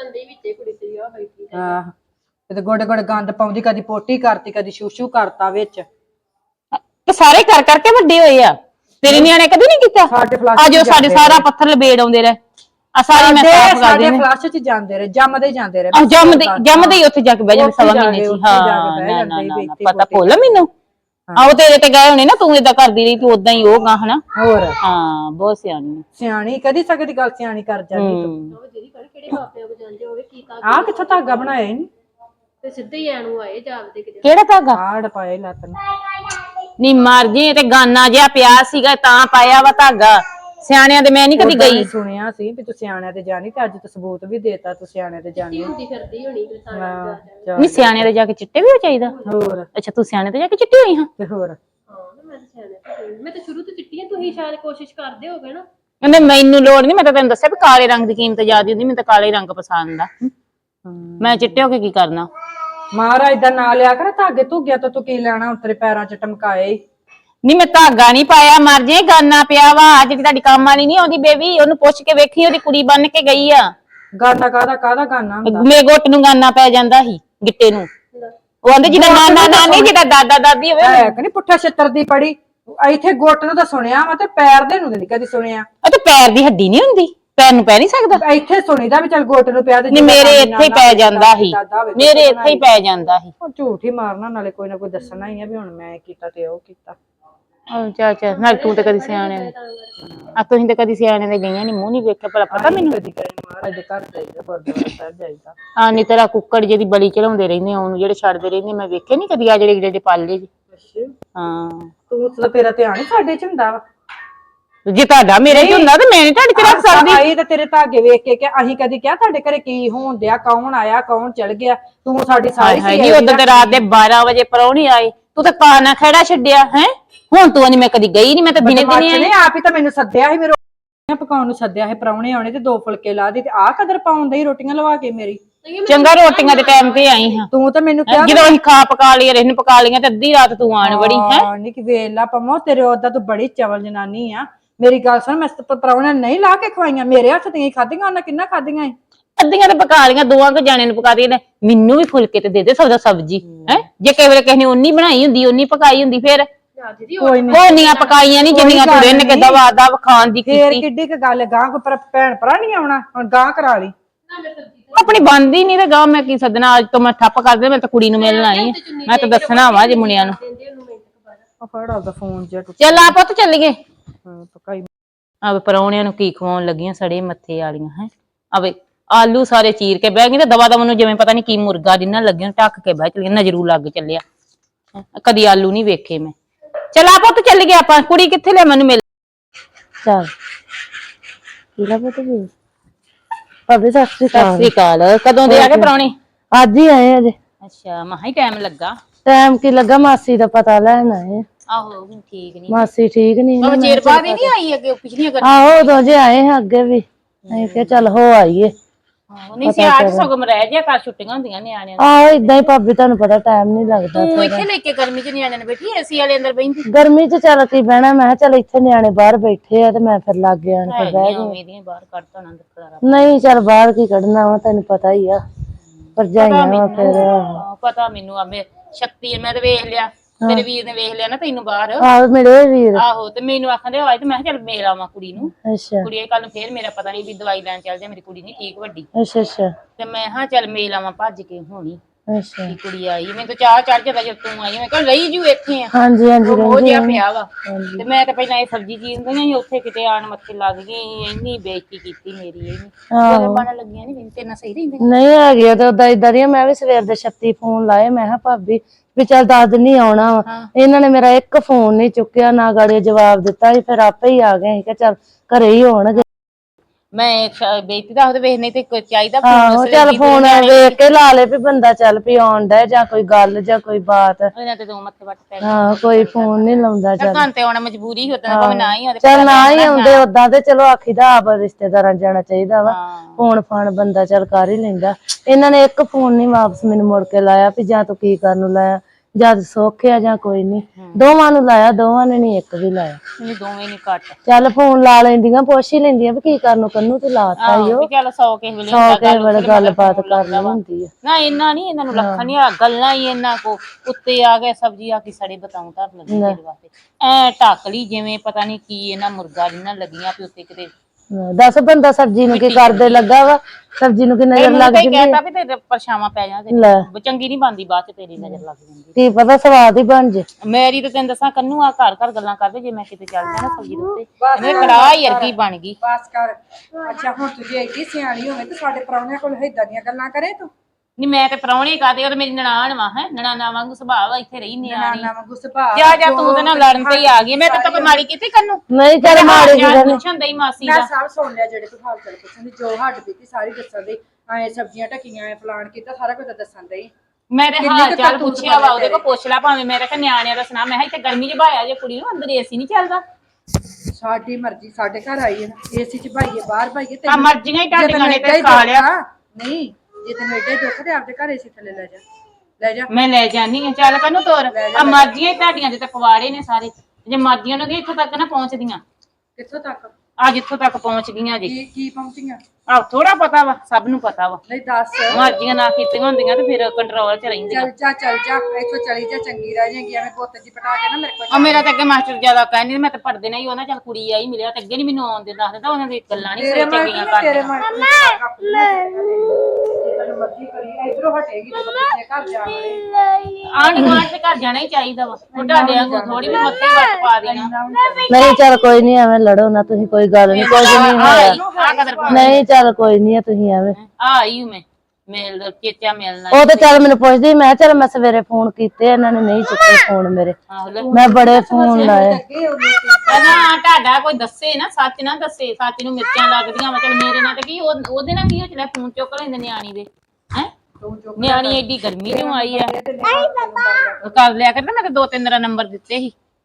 ਆਹ ਤੇ ਗੋਡੇ ਗੋਡੇ ਗੰਦ ਪਾਉਂਦੀ ਕਦੀ ਪੋਟੀ ਕਰਤੀ ਕਦੀ ਸ਼ੂਸ਼ੂ ਕਰਤਾ ਵਿੱਚ।
ਤੇ ਸਾਰੇ ਕਰ ਕਰਕੇ ਵੱਡੇ ਹੋਏ ਆ ਤੇਰੇ ਨਿਆਣੇ ਕਦੇ ਨਹੀਂ ਕੀਤਾ। ਅੱਜ ਸਾਡੇ ਸਾਰਾ ਪੱਥਰ ਲਬੇੜ ਆਉਂਦੇ ਰਹੇ ਆ ਸਾਰੀ ਮੈਂ ਸਾਫ਼ ਕਰ
ਦੇਣੀ। ਫਲਸ਼ ਚ ਜਾਂਦੇ ਰਹੇ ਜੰਮਦੇ ਜਾਂਦੇ ਰਹੇ
ਜੰਮਦੇ ਹੀ ਉੱਥੇ ਜਾ ਕੇ ਬਹਿ ਜਾਂਦੇ ਸਵਾ ਮਹੀਨੇ ਚ। ਹਾਂ ਨਾ ਪਤਾ ਭੁੱਲ ਮੈਨੂੰ ਆਹੋ ਤੇਰੇ ਤੇ ਗਏ ਹੋਣੇ ਨਾ ਤੂੰ ਏਦਾਂ ਕਰਦੀ ਰਹੀ ਤੂੰ ਉਦਾਂ ਹੀ ਹੋਗਾ ਹਨਾ।
ਹੋਰ
ਹਾਂ ਬਹੁਤ ਸਿਆਣੀ
ਸਿਆਣੀ ਕਦੀ ਸਕਦੀ ਗੱਲ ਸਿਆਣੀ ਕਰ ਜਾਂਦੀ ਤੂੰ।
ਕਿਹੜੇ ਮਾਪਿਆਂ ਕੋ ਜਾਂਦੇ ਹੋਵੇ ਕੀ ਤਾਂ
ਆਹ ਕਿੱਥੋਂ ਧਾਗਾ ਬਣਾਇਆ ਹੀ ਨਹੀਂ
ਤੇ ਸਿੱਧੇ ਹੀ ਐਨੂੰ ਆਏ ਜਾਪਦੇ ਕਿਤੇ।
ਕਿਹੜਾ ਧਾਗਾ
ਆੜ ਪਾਏ ਲੱਤ ਨੂੰ
ਨੀ ਮਰ ਜੇ ਤੇ ਗਾਨਾ ਜਿਹਾ ਪਿਆ ਸੀਗਾ ਤਾਂ ਪਾਇਆ ਵਾ ਧਾਗਾ। ਸਿਆਣਿਆਂ ਦੇ ਮੈਂ ਨਹੀਂ ਕਦੀ ਗਈ।
ਸੁਣਿਆ ਸੀ ਵੀ ਤੂੰ ਸਿਆਣਿਆਂ ਤੇ ਜਾਣੀ ਤੇ ਅੱਜ ਤੂੰ ਸਬੂਤ ਵੀ ਦੇਤਾ ਤੂੰ ਸਿਆਣਿਆਂ ਤੇ ਜਾਣੀ।
ਹੁੰਦੀ ਫਿਰਦੀ ਹੋਣੀ ਕਿ ਸਾਰਾ
ਨਹੀਂ ਸਿਆਣਿਆਂ ਦੇ ਜਾ ਕੇ ਚਿੱਟੇ ਵੀ ਹੋ ਚਾਹੀਦਾ।
ਹੋਰ
ਅੱਛਾ ਤੂੰ ਸਿਆਣੇ ਤੇ ਜਾ ਕੇ ਚਿੱਟੀ ਹੋਈ ਹਾਂ।
ਤੇ ਹੋਰ
ਮੈਂ ਤਾਂ ਸਿਆਣੇ ਮੈਂ ਤਾਂ ਸ਼ੁਰੂ ਤੋਂ ਚਿੱਟੀ ਆ ਤੁਸੀਂ ਸ਼ਾਇਦ ਕੋਸ਼ਿਸ਼ ਕਰਦੇ ਹੋਗੇ ਨਾ।
ਕਹਿੰਦੇ ਮੈਨੂੰ ਲੋੜ ਨਹੀਂ ਮੈਂ ਤਾਂ ਤੈਨੂੰ ਦੱਸਿਆ ਵੀ ਕਾਲੇ ਰੰਗ ਦੀ ਕੀਮਤ ਜ਼ਿਆਦਾ ਹੁੰਦੀ ਮੈਨੂੰ ਤਾਂ ਕਾਲੇ ਰੰਗ ਪਸੰਦ ਆ। ਮੈਂ ਚਿੱਟੇ ਹੋ ਕੇ ਕੀ ਕਰਨਾ।
ਮਹਾਰਾਜ ਦਾ ਨਾਂ ਲਿਆ ਕਰ ਧਾਗੇ ਧੁੱਗਿਆ ਤੋਂ ਤੂੰ ਕੀ ਲੈਣਾ ਉਤਰੇ ਪੈਰਾਂ 'ਚ ਟਮਕਾਏ।
ਨਹੀਂ ਮੈਂ ਧਾਗਾ ਨਹੀਂ ਪਾਇਆ ਮਰ ਜੇ ਗਾਨਾ ਪਿਆ ਵਾ ਜਿਹੜੀ ਤੁਹਾਡੀ ਕੰਮ ਵਾਲੀ ਨਹੀਂ ਆਉਂਦੀ ਬੇਬੀ ਉਹਨੂੰ ਪੁੱਛ ਕੇ ਵੇਖੀ ਉਹਦੀ ਕੁੜੀ ਬੰਨ ਕੇ ਗਈ ਆ।
ਗਾਨਾ ਕਾਹਦਾ ਗਾਨਾ ਹੁੰਦਾ।
ਮੇਰੇ ਗੁੱਟ ਨੂੰ ਗਾਨਾ ਪੈ ਜਾਂਦਾ ਸੀ ਗਿੱਟੇ ਨੂੰ। ਉਹ ਕਹਿੰਦੇ ਜਿਹਦਾ ਨਾਨਾ ਨਾਨੀ ਜਿਹਦਾ ਦਾਦਾ ਦਾਦੀ ਹੋਵੇ
ਹੈ ਕਿ ਨਹੀਂ ਪੁੱਠਾ ਛਿੱਤਰ ਦੀ ਪੜੀ ਇੱਥੇ ਗੁੱਟ ਨੂੰ ਤਾਂ ਸੁਣਿਆ ਵਾ ਤੇ ਪੈਰ ਦੇ ਨੂੰ ਨਹੀਂ ਕਦੀ ਸੁਣਿਆ।
ਉਹ ਤੇ ਪੈਰ ਦੀ ਹੱਡੀ ਨਹੀਂ ਹੁੰਦੀ ਪੈਰ ਨੂੰ ਪੈ ਨਹੀਂ ਸਕਦਾ।
ਇੱਥੇ ਸੁਣੀਦਾ ਵੀ ਚੱਲ ਗੁੱਟ ਨੂੰ ਪਿਆ ਤੇ
ਨਹੀਂ ਮੇਰੇ ਇੱਥੇ ਹੀ ਪੈ ਜਾਂਦਾ ਸੀ ਮੇਰੇ ਇੱਥੇ ਹੀ ਪੈ ਜਾਂਦਾ ਸੀ।
ਉਹ ਝੂਠ ਹੀ ਮਾਰਨਾ ਨਾਲੇ ਕੋਈ ਨਾ ਕੋਈ ਦੱਸਣਾ ਹੀ ਆ ਵੀ ਹੁਣ ਮੈਂ ਕੀਤਾ ਤੇ ਉਹ ਕੀਤਾ।
ਚਾਚਾ ਨਾਲ ਤੂੰ ਤੇ ਕਦੀ ਸਿਆਣੇ ਆ ਤੁਸੀਂ ਤੇ ਕਦੀ ਸਿਆਣੇ ਦੇ ਗਈਆਂ ਨਹੀਂ ਮੂੰਹ ਨਹੀਂ ਵੇਖਿਆ ਭਲਾ ਪਤਾ ਮੈਨੂੰ।
ਮਹਾਰਾਜ ਦੇ ਘਰ ਜਾਈਦਾ ਗੁਰਦੁਆਰਾ ਸਾਹਿਬ ਜਾਈਦਾ।
ਆ ਨੀ ਤੇਰਾ ਕੁੱਕੜ ਜਿਹਦੀ ਬਲੀ ਚੜਾਉਂਦੇ ਰਹਿੰਦੇ ਉਹਨੂੰ ਜਿਹੜੇ ਛੱਡਦੇ ਰਹਿੰਦੇ ਮੈਂ ਵੇਖੇ ਨੀ ਕਦੀ ਆ ਜਿਹੜੇ ਜਿਹੜੇ ਪਾਲੇ ਜੀ। ਹਾਂ
ਤੂੰ ਤਾਂ ਤੇਰਾ ਧਿਆਨ ਹੀ ਸਾਡੇ 'ਚ ਹੁੰਦਾ ਵਾ।
ਜੇ ਤੁਹਾਡਾ ਮੇਰੇ 'ਚ ਹੁੰਦਾ ਤੇ ਮੈਂ ਨੀ ਤੁਹਾਡੇ 'ਚ ਰੱਖ ਸਕਦੀ।
ਆਈ ਤਾਂ ਤੇਰੇ ਧਾਗੇ ਵੇਖ ਕੇ ਅਸੀਂ ਕਦੀ ਕਿਹਾ ਤੁਹਾਡੇ ਘਰੇ ਕੀ ਹੋਣ ਦਿਆ ਕੌਣ ਆਇਆ ਕੌਣ ਚਲ ਗਿਆ ਤੂੰ ਸਾਡੀ ਸਾਰੀ
ਨਹੀਂ ਉਦੋਂ ਤੇ ਰਾਤ ਦੇ 12 ਵਜੇ ਪਰੌਣੀ ਆਏ ਤੂੰ ਤਾਂ ਕਾਨਾ ਖੜਾ ਛੱਡਿਆ ਹੈ ਹੁਣ ਤੂੰ ਨਹੀਂ ਮੈਂ ਕਦੀ ਗਈ ਨਹੀਂ ਮੈਂ ਤਾਂ ਦਿਨੇ ਦਿਨੇ
ਆਪ ਹੀ ਤਾਂ ਮੈਨੂੰ ਸੱਦਿਆ ਸੀ ਮੇਰੇ ਪਕਾਉਣ ਨੂੰ ਸੱਦਿਆ ਹੈ, ਪ੍ਰਾਹੁਣੇ ਆਉਣੇ ਤੇ 2 ਫੁਲਕੇ ਲਾ ਦੇ ਤੇ ਆਹ ਕਦਰ ਪਾਉਂਦਾ ਹੀ ਰੋਟੀਆਂ ਲਵਾ ਕੇ ਮੇਰੀ।
ਚੰਗਾ ਰੋਟੀਆਂ ਦੇ ਟਾਈਮ ਤੇ ਆਈ ਹਾਂ
ਤੂੰ ਤਾਂ ਮੈਨੂੰ ਕਿਹਾ
ਜਦੋਂ ਅਸੀਂ ਖਾ ਪਕਾ ਲਈ ਰਹਿਣ ਪਕਾ ਲਈਆਂ ਤੇ ਅੱਧੀ ਰਾਤ ਤੂੰ ਆਣ ਵੜੀ ਹੈ।
ਨਹੀਂ ਕਿ ਵੇਲਾ ਪਮੋ ਤੇਰੇ ਉਹਦਾ ਤੂੰ ਬੜੀ ਚਵਲ ਜਨਾਨੀ ਆ। ਮੇਰੀ ਗੱਲ ਸੁਣ, ਮੈਂ ਪ੍ਰਾਹੁਣੇ ਨਹੀਂ ਲਾ ਕੇ ਖਵਾਈਆਂ, ਮੇਰੇ ਹੱਥ ਦੀਆਂ ਖਾਧੀਆਂ, ਉਹਨਾਂ ਕਿੰਨਾ ਖਾਧੀਆਂ?
ਅੱਧੀਆਂ ਤੇ ਪਕਾ ਲਈਆਂ, 2 ਜਾਣੇ ਨੂੰ ਪਕਾ ਦੇ ਮੈਨੂੰ ਵੀ ਫੁਲਕੇ ਤੇ ਦੇ ਦੇ ਸਬਜ਼ੀ ਹੈ। ਜੇ ਕਿਸੇ ਵੇਲੇ ਕਿਸੇ ਨੇ ਉਨੀ ਬਣਾਈ ਹੁੰਦੀ ਉਨੀ ਪਕਾਈ ਹੁੰਦੀ ਫਿਰ
ਕੋਈ ਨੀ,
ਉਹਨੀਆਂ ਪਕਾਈਆਂ ਨਹੀਂ ਜਿੰਨੀਆਂ ਤੂੰ ਰਿੰਨ ਕੇ ਦਵਾ ਦਵ ਖਾਣ ਦੀ
ਫੇਰ
ਕੀਤੀ।
ਕਿੱਡੀ ਕ ਗੱਲ, ਗਾਂ ਕੋ ਭੈਣ ਭਰਾ ਨਹੀਂ ਆਉਣਾ, ਹੁਣ ਗਾਂ ਕਰਾ ਲਈ।
ਆਪਣੀ ਬੰਦੀ ਨਹੀਂ ਤੇ ਗਾ ਮੈਂ ਕੀ ਸੱਦਣਾ, ਅੱਜ ਤੋਂ ਮੈਂ ਠੱਪ ਕਰ ਦੇ, ਮੈਂ ਤਾਂ ਕੁੜੀ ਨੂੰ ਮਿਲਣ ਆਈ ਆ, ਮੈਂ ਤਾਂ ਦੱਸਣਾ ਵਾ ਜੇ ਮੁੰਡਿਆਂ ਨੂੰ।
ਫੜ ਆਪਦਾ ਫੋਨ ਜਿਹਾ
ਚੱਲ ਆ ਪੁੱਤ ਚੱਲੀਏ।
ਪਕਾਈ
ਆਵੇ ਪਰੌਣਿਆਂ ਨੂੰ ਕੀ ਖਵਾਉਣ ਲੱਗੀਆਂ ਸੜੇ ਮੱਥੇ ਵਾਲੀਆਂ ਹੈ। ਆਵੇ ਆਲੂ ਸਾਰੇ ਚੀਰ ਕੇ ਬਹਿ ਗਈ ਤੇ ਦਵਾ ਦਵਾ ਨੂੰ ਜਿਵੇਂ ਪਤਾ ਨਹੀਂ ਕੀ ਮੁਰਗਾ ਜਿੰਨਾ ਲੱਗਿਆ ਢੱਕ ਕੇ ਬਹਿ ਚਲੀ, ਨਜ਼ਰੂ ਲੱਗ ਚੱਲਿਆ। ਕਦੀ ਆਲੂ ਨਹੀਂ ਵੇਖੇ ਮੈਂ। ਚੱਲ ਆ ਪੁੱਤ ਚੱਲ ਗਏ ਆਪਾਂ, ਕੁੜੀ ਕਿੱਥੇ ਲੈ ਮੈਨੂੰ ਮਿਲ।
ਚੱਲ ਕਿਹੜਾ ਪੁੱਤ ਵੀ ਭਾਬੀ ਸਤਿ ਸ਼੍ਰੀ
ਸਤਿ
ਅਕਾਲ।
ਸ੍ਰੀ ਅਕਾਲ। ਕਦੋਂ ਦੇ ਆ ਗਏ ਪਰੌਣੇ?
ਅੱਜ ਹੀ ਆਏ ਅਜੇ।
ਅੱਛਾ ਮਹਾ ਹੀ ਟਾਈਮ ਲੱਗਾ।
ਟਾਈਮ ਕੀ ਲੱਗਾ, ਮਾਸੀ ਦਾ ਪਤਾ ਲੈਣ ਆਏ।
ਆਹੋ ਠੀਕ ਨਹੀਂ
ਮਾਸੀ ਠੀਕ ਨਹੀਂ
ਉਹ ਚਿਰ ਬਾਅਦ ਹੀ ਨਹੀਂ ਆਈ ਅੱਗੇ ਪਿਛਲੀਆਂ ਕਰ।
ਆਹੋ ਉਦੋਂ ਜੇ ਆਏ ਹਾਂ ਅੱਗੇ ਵੀ, ਅਸੀਂ ਕਿਹਾ ਚੱਲ ਹੋ ਆਈਏ।
ਨਹੀਂ ਸੀ ਆ ਕੇ ਸਗਮ ਰਹਿ ਜਾ ਕਰ, ਛੁੱਟੀਆਂ ਹੁੰਦੀਆਂ ਨਿਆਣਿਆਂ ਨੂੰ।
ਆਹੋ ਇਦਾਂ ਹੀ ਭਾਬੀ, ਤੁਹਾਨੂੰ ਪਤਾ ਟਾਈਮ ਨਹੀਂ ਲੱਗਦਾ।
ਤੂੰ ਇੱਥੇ ਲੈ ਕੇ ਗਰਮੀ ਚ ਨਿਆਣਿਆਂ ਨੇ ਬੈਠੀ ਏਸੀ ਵਾਲੇ ਅੰਦਰ ਬੈਠੀ।
ਗਰਮੀ ਚ ਚੱਲ ਕੀ ਬਹਿਣਾ, ਮੈਂ ਕਿਹਾ ਚੱਲ ਇੱਥੇ ਨਿਆਣੇ ਬਾਹਰ ਬੈਠੇ ਆ ਤੇ ਮੈਂ ਫਿਰ ਲੱਗ ਗਿਆ ਫਿਰ ਬਹਿ ਗਈ।
ਮੇਰੀਆਂ ਬਾਹਰ ਕੱਢ ਤਾ ਨਾ ਖਲਾਰਾ।
ਨਹੀਂ ਚੱਲ ਬਾਹਰ ਕੀ ਕੱਢਣਾ ਵਾ, ਤੈਨੂੰ ਪਤਾ ਹੀ ਆ ਭਰਜਾਈਆਂ ਵਾ ਫਿਰ।
ਪਤਾ ਮੈਨੂੰ ਆ ਮੈਂ ਸ਼ਕਤੀ ਮੈਂ ਤੇ ਵੇਖ ਲਿਆ, ਤੇਰੇ ਵੀਰ ਨੇ ਵੇਖ ਲਿਆ ਨਾ ਤੈਨੂੰ ਬਾਹਰ।
ਆਹੋ ਮੇਰੇ ਵੀਰ।
ਆਹੋ ਤੇ ਮੈਨੂੰ ਆਖਦੇ ਆਏ ਤੇ ਮੈਂ ਕਿਹਾ ਚੱਲ ਮੇਲ ਆਵਾਂ ਕੁੜੀ ਨੂੰ।
ਅੱਛਾ
ਕੁੜੀ ਕੱਲ ਨੂੰ ਫੇਰ ਮੇਰਾ ਪਤਾ ਨਹੀਂ ਵੀ ਦਵਾਈ ਲੈਣ ਚੱਲ ਜਾ, ਮੇਰੀ ਕੁੜੀ ਨਹੀਂ ਠੀਕ ਵੱਡੀ।
ਅੱਛਾ ਅੱਛਾ
ਤੇ ਮੈਂ ਹਾਂ ਚੱਲ ਮੇਲ ਆਵਾਂ ਭੱਜ ਕੇ ਹੋਣੀ
ਅੱਛਾ।
ਕੀ ਕੁੜੀ ਆਈ। ਮੈਨੂੰ ਤਾਂ ਚਾਹ ਚੜ ਜਾਂਦਾ ਜਦ ਤੂੰ ਆਈ, ਮੈਂ ਕਿਹਾ ਰਹੀ ਜੂ ਇੱਥੇ ਆ।
ਹਾਂਜੀ ਹਾਂਜੀ
ਉਹ ਜਿਹਾ ਪਿਆ ਵਾ ਤੇ ਮੈਂ ਤਾਂ ਪਹਿਲਾਂ ਇਹ ਸਬਜ਼ੀ ਚੀਰਦੀਆਂ ਸੀ, ਉੱਥੇ ਕਿਤੇ ਆਣ ਮੱਥੇ ਲੱਗ ਗਈ। ਇੰਨੀ ਬੇਇੱਜ਼ਤੀ ਕੀਤੀ ਮੇਰੀ ਇਹਨੇ। ਜਦੋਂ ਬਣ ਲੱਗੀਆਂ ਨਹੀਂ ਤੇ ਨਾ ਸਹੀ ਰਹਿੰਦੇ
ਨਹੀਂ ਹੈਗੀ ਆ ਤੇ ਉਦਾਂ ਇਦਾਂ ਦੀਆਂ। ਮੈਂ ਵੀ ਸਵੇਰ ਦੇ 36 ਫੋਨ ਲਾਏ, ਮੈਂ ਕਿਹਾ ਭਾਬੀ ਵੀ ਚੱਲ 10 ਦਿਨ ਹੀ ਆਉਣਾ ਵਾ। ਇਹਨਾਂ ਨੇ ਮੇਰਾ ਇੱਕ ਫੋਨ ਨਹੀਂ ਚੁੱਕਿਆ, ਨਾ ਗਾੜੀ ਜਵਾਬ ਦਿੱਤਾ ਸੀ। ਫਿਰ ਆਪੇ ਹੀ ਆ ਗਏ, ਕਿ ਚੱਲ ਘਰੇ ਹੀ ਹੋਣਗੇ।
ਮੈਂ ਬੇਇੱਜ਼ਤੀ ਦਾ ਉਹਦੇ ਵੇਖ ਨਹੀਂ ਤੇ ਚਾਹੀਦਾ
ਆਹੋ ਚੱਲ ਫੋਨ ਵੇਖ ਕੇ ਲਾ ਲੇ ਵੀ ਬੰਦਾ ਚੱਲ ਵੀ ਆਉਣ ਡਿਆ ਜਾਂ ਕੋਈ ਗੱਲ ਜਾਂ ਕੋਈ ਬਾਤ।
ਇਹਨਾਂ ਤੇ ਦੋ ਮੱਥੇ ਵੱਟ ਪੈ
ਹਾਂ ਕੋਈ ਫੋਨ ਨਹੀਂ ਲਾਉਂਦਾ ਚੱਲ।
ਘਰ ਤੇ ਆਉਣਾ ਮਜਬੂਰੀ ਹੋ ਤਾਂ ਭਾਵੇਂ ਨਾ ਹੀ ਆਉਂਦੇ।
ਚੱਲ ਨਾ ਹੀ ਆਉਂਦੇ ਓਦਾਂ ਤੇ ਚਲੋ ਆਖੀਦਾ ਆਪ ਰਿਸ਼ਤੇਦਾਰਾਂ ਜਾਣਾ ਚਾਹੀਦਾ ਵਾ। ਫੋਨ ਫਾਨ ਬੰਦਾ ਚੱਲ ਕਰ ਹੀ ਲੈਂਦਾ। ਇਹਨਾਂ ਨੇ ਇੱਕ ਫੋਨ ਨਹੀਂ ਵਾਪਸ ਮੈਨੂੰ ਮੁੜ ਕੇ ਲਾਇਆ ਵੀ ਜਾਂ ਤੂੰ ਕੀ ਕਰਨ ਨੂੰ ਲਾਇਆ, ਜਦ ਸੁੱਖ ਆ ਜਾਂ ਕੋਈ ਨਹੀਂ। ਦੋਵਾਂ ਨੂੰ ਲਾਇਆ, ਦੋਵਾਂ ਨੇ ਨਹੀਂ ਇੱਕ ਵੀ ਲਾਇਆ।
ਇਹ ਦੋਵੇਂ ਨਹੀਂ ਘੱਟ।
ਚੱਲ ਫੋਨ ਲਾ ਲੈਂਦੀਆਂ, ਪੁੱਛ ਹੀ ਲੈਂਦੀਆਂ ਵੀ ਕੀ ਕਰਨ ਨੂੰ ਕੰਨੂ ਤੇ ਲਾਤਾ ਹੀ ਉਹ।
ਚੱਲ 100 ਕਿਸੇ ਵੇਲੇ
100 ਕਿਸੇ ਵੇਲੇ ਗੱਲਬਾਤ ਕਰਨੀ ਹੁੰਦੀ ਆ।
ਨਾ ਇਹਨਾਂ ਨਹੀਂ, ਇਹਨਾਂ ਨੂੰ ਲੱਖਾਂ ਨਹੀਂ ਆ ਗੱਲਾਂ ਹੀ ਇਹਨਾਂ ਕੋ। ਉੱਤੇ ਆ ਗਏ ਸਬਜ਼ੀ ਆ ਕੇ ਸੜੇ ਬਤਾਉਂ ਧਰ ਲੱਗੀ ਮੇਰੇ ਵਾਸਤੇ ਐ ਢੱਕ ਲਈ ਜਿਵੇਂ ਪਤਾ ਨਹੀਂ ਕੀ ਇਹਨਾਂ ਮੁਰਗਾ ਜਿੰਨਾਂ ਲੱਗੀਆਂ ਵੀ ਉੱਤੇ ਕਿਤੇ।
ਦੱਸ ਬੰਦਾ ਸਬਜ਼ੀ ਨੂੰ ਕੀ ਕਰਦੇ ਲੱਗਾ ਵਾ, ਸਬਜ਼ੀ ਨੂੰ ਕੀ ਨਜ਼ਰ ਲੱਗ ਜਾਂਦੀ
ਕਹਿਤਾ ਵੀ ਤੇ ਪਰਛਾਵਾਂ ਪੈ ਜਾਂਦੇ, ਚੰਗੀ ਨਹੀਂ ਬਣਦੀ, ਬਾਅਦ ਚ ਤੇਰੀ ਨਜ਼ਰ ਲੱਗ ਜਾਂਦੀ।
ਕੀ ਪਤਾ ਸਵਾਦ ਹੀ ਬਣ ਜੇ।
ਮੇਰੀ ਤਾਂ ਤੈਨੂੰ ਦੱਸਾਂ ਕੰਨੂ ਆ ਘਰ ਘਰ ਗੱਲਾਂ ਕਰਦੇ, ਜੇ ਮੈਂ ਕਿਤੇ ਚੱਲ ਜਾਣਾ ਸਬਜ਼ੀ ਦੇ ਉੱਤੇ ਇਹਨੇ ਕੜਾਹ ਅਰਗੀ ਬਣ ਗਈ।
ਬਸ ਕਰ। ਅੱਛਾ ਹੁਣ ਤੂੰ ਜੇ ਏਡੀ ਸਿਆਣੀ ਹੋਵੇ ਤੇ ਸਾਡੇ ਪ੍ਰਾਹੁਣਿਆਂ ਕੋਲ ਏਦਾਂ ਦੀਆਂ ਗੱਲਾਂ ਕਰੇ ਤੂੰ।
ਨਹੀਂ ਮੈਂ ਤੇ ਪ੍ਰਾਹੁਣੇ ਕਾਦੇ, ਉਹ ਤੇ ਮੇਰੀ ਨਨਾਣ ਵਾ ਹੈ, ਨਨਾਣਾ ਵਾਂਗੂ ਸੁਭਾਅ ਵਾ, ਇੱਥੇ ਰਹੀ ਨਿਆਣੀ।
ਨਾਨਾ ਵਾਂਗੂ ਸੁਭਾਅ।
ਜਾ ਤੂੰ ਤੇ ਨਾ ਲੜਨ ਤੇ ਹੀ ਆ ਗਈ। ਮੈਂ ਤਾਂ ਕੋਈ ਮਾੜੀ ਕੀਤੀ ਕੰਨੂ?
ਨਹੀਂ ਚੱਲ ਮਾੜੀ ਜੀ ਗੱਲ
ਪੁੱਛਣ ਦਈ ਮਾਸੀ
ਮੈਂ
ਦਾ।
ਸਭ ਸੁਣ ਲਿਆ ਜਿਹੜੇ ਤੂੰ ਹਾਲ ਚਾਲ ਪੁੱਛਣ ਦੀ, ਜੋ ਹੱਡ ਬੀਤੀ ਸਾਰੀ ਦੱਸਣ ਦੀ। ਐ ਸਬਜ਼ੀਆਂ ਢਕੀਆਂ, ਐ ਫਲਾਣ ਕੀਤਾ, ਸਾਰਾ ਕੁਝ ਦੱਸਣ ਦੀ।
ਮੈਂ ਤੇ ਹਾਲ ਚਾਲ ਪੁੱਛਿਆ ਵਾ, ਉਹਦੇ ਕੋਲ ਪੁੱਛ ਲੈ ਭਾਵੇਂ। ਮੈਂ ਕਿਹਾ ਨਿਆਣਿਆਂ ਦਾ ਸੁਣਾ, ਮੈਂ ਕਿਹਾ ਇੱਥੇ ਗਰਮੀ ਚ ਭਾਇਆ ਜੇ ਕੁੜੀ ਨੂੰ, ਅੰਦਰ ਏਸੀ ਨਹੀਂ ਚੱਲਦਾ।
ਸਾਡੀ ਮਰਜ਼ੀ, ਸਾਡੇ ਘਰ ਆਈ ਹੈ ਨਾ, ਏਸੀ ਚ ਭਾਈਏ ਬਾਹਰ ਭਾਈਏ
ਆ ਮਰਜ਼ੀਆਂ ਹੀ ਢਾਡੀਆਂ ਨੇ ਤੇ ਖਾ ਲਿਆ।
ਨਹੀਂ ਜੇ ਤੈਨੂੰ ਏਡਾ ਹੀ ਦੁੱਖ ਤੇ ਆਪਦੇ ਘਰ ਏਸੀ ਥੱਲੇ ਲੈ ਜਾ, ਲੈ ਜਾ।
ਮੈਂ ਲੈ ਜਾਨੀ ਆ, ਚੱਲ ਕੰਨੂ ਤੋਰ। ਆ ਮਰਜ਼ੀਆਂ ਹੀ ਢਾਡੀਆਂ ਦੇ ਤਾਂ ਪਵਾੜੇ ਨੇ ਸਾਰੇ। ਜੇ ਮਰਜ਼ੀਆਂ ਨੂੰ ਇੱਥੋਂ ਤੱਕ ਨਾ ਪਹੁੰਚਦੀਆਂ।
ਕਿੱਥੋਂ ਤੱਕ?
ਆ ਜਿੱਥੋਂ ਤੱਕ ਪਹੁੰਚ ਗਈਆਂ ਜੀ।
ਕੀ ਪਹੁੰਚੀਆਂ?
ਆ ਥੋੜਾ ਪਤਾ ਵਾ, ਸਭ ਨੂੰ ਪਤਾ ਵਾ।
ਨਹੀਂ ਦੱਸ।
ਮਰਜ਼ੀਆਂ ਨਾ ਕੀਤੀਆਂ ਹੁੰਦੀਆਂ ਤੇ ਫਿਰ ਕੰਟਰੋਲ ਚ ਰਹਿੰਦੀਆਂ।
ਚੱਲ ਜਾ ਇੱਥੋਂ ਚਲੀ ਜਾ, ਚੰਗੀ ਰਹਿ ਜਾਏਗੀ। ਐਵੇਂ ਪੁੱਤ ਜੀ ਪਟਾ ਕੇ ਨਾ ਮੇਰੇ ਕੋਲ।
ਆ ਮੇਰਾ ਤਾਂ ਅੱਗੇ ਮਾਸਟਰ ਜਿਆਦਾ ਕਹਿੰਦੇ, ਮੈਂ ਤਾਂ ਪੜਦੇ ਨਹੀਂ ਉਹਨਾਂ। ਚੱਲ ਕੁੜੀ ਆਈ ਮਿਲਿਆ ਤੇ ਅੱਗੇ ਨਹੀਂ ਮੈਨੂੰ ਆਉਣ ਦੇ ਦੱਸਦਾ, ਉਹਨਾਂ ਦੀ ਗੱਲਾਂ ਨਹੀਂ ਸੋਚ ਚੰਗੀਆਂ ਕਰਦੀਆਂ।
ਮਰਜ਼ੀ ਕਰੀ, ਇਧਰੋਂ ਹਟੇਗੀ ਤੇ ਬੱਚੇ ਘਰ ਜਾ ਵੜੇ।
ਆਂਢ ਗੁਆਂਢ ਦੇ ਘਰ ਜਾਣਾ ਹੀ ਚਾਹੀਦਾ ਵਾ, ਤੁਹਾਡੇ ਵਾਂਗੂ ਥੋੜੀ ਵੀ ਮੱਥੇ ਵੱਟ ਪਾ ਦੇਣਾ।
ਨਹੀਂ ਚੱਲ ਕੋਈ ਨਹੀਂ, ਐਵੇਂ ਲੜੋ ਨਾ ਤੁਸੀਂ, ਕੋਈ ਗੱਲ ਨਹੀਂ, ਕੁਝ ਨਹੀਂ ਹੋਇਆ।
ਆ ਕਦਰ
ਨਹੀਂ ਚੱਲ ਕੋਈ ਨਹੀਂ, ਤੁਸੀਂ ਐਵੇਂ
ਆਈ ਮੈਂ ਮਿਲ ਚੇਚਾ ਮਿਲਣਾ।
ਉਹ ਤੇ ਚੱਲ ਮੈਨੂੰ ਪੁੱਛਦੀ, ਮੈਂ ਚੱਲ ਮੈਂ ਸਵੇਰੇ ਫੋਨ ਕੀਤੇ, ਇਹਨਾਂ ਨੇ ਨਹੀਂ ਚੁੱਕੇ ਫੋਨ ਮੇਰੇ। ਮੈਂ ਬੜੇ ਫੋਨ ਲਾਏ।
ਨਾ ਤੁਹਾਡਾ ਕੋਈ ਦੱਸੇ ਨਾ, ਸੱਚ ਨਾ ਦੱਸੇ। ਸੱਚ ਨੂੰ ਮਿਰਚਾਂ ਲੱਗਦੀਆਂ ਵਾ। ਚੱਲ ਮੇਰੇ ਨਾਲ ਤੇ ਕੀ, ਉਹਦੇ ਨਾਲ ਕੀ ਹੋ ਚਲਾ, ਫੋਨ ਚੁੱਕ ਲੈਂਦੇ ਨਿਆਣੀ ਦੇ ਹੈ। ਨਿਆਣੀ ਐਡੀ ਗਰਮੀ ਚੋਂ ਆਈ ਆ, ਕਰ ਲਿਆ ਕਰ। ਮੈਂ ਤਾਂ 2-3 ਨੰਬਰ ਦਿੱਤੇ ਸੀ,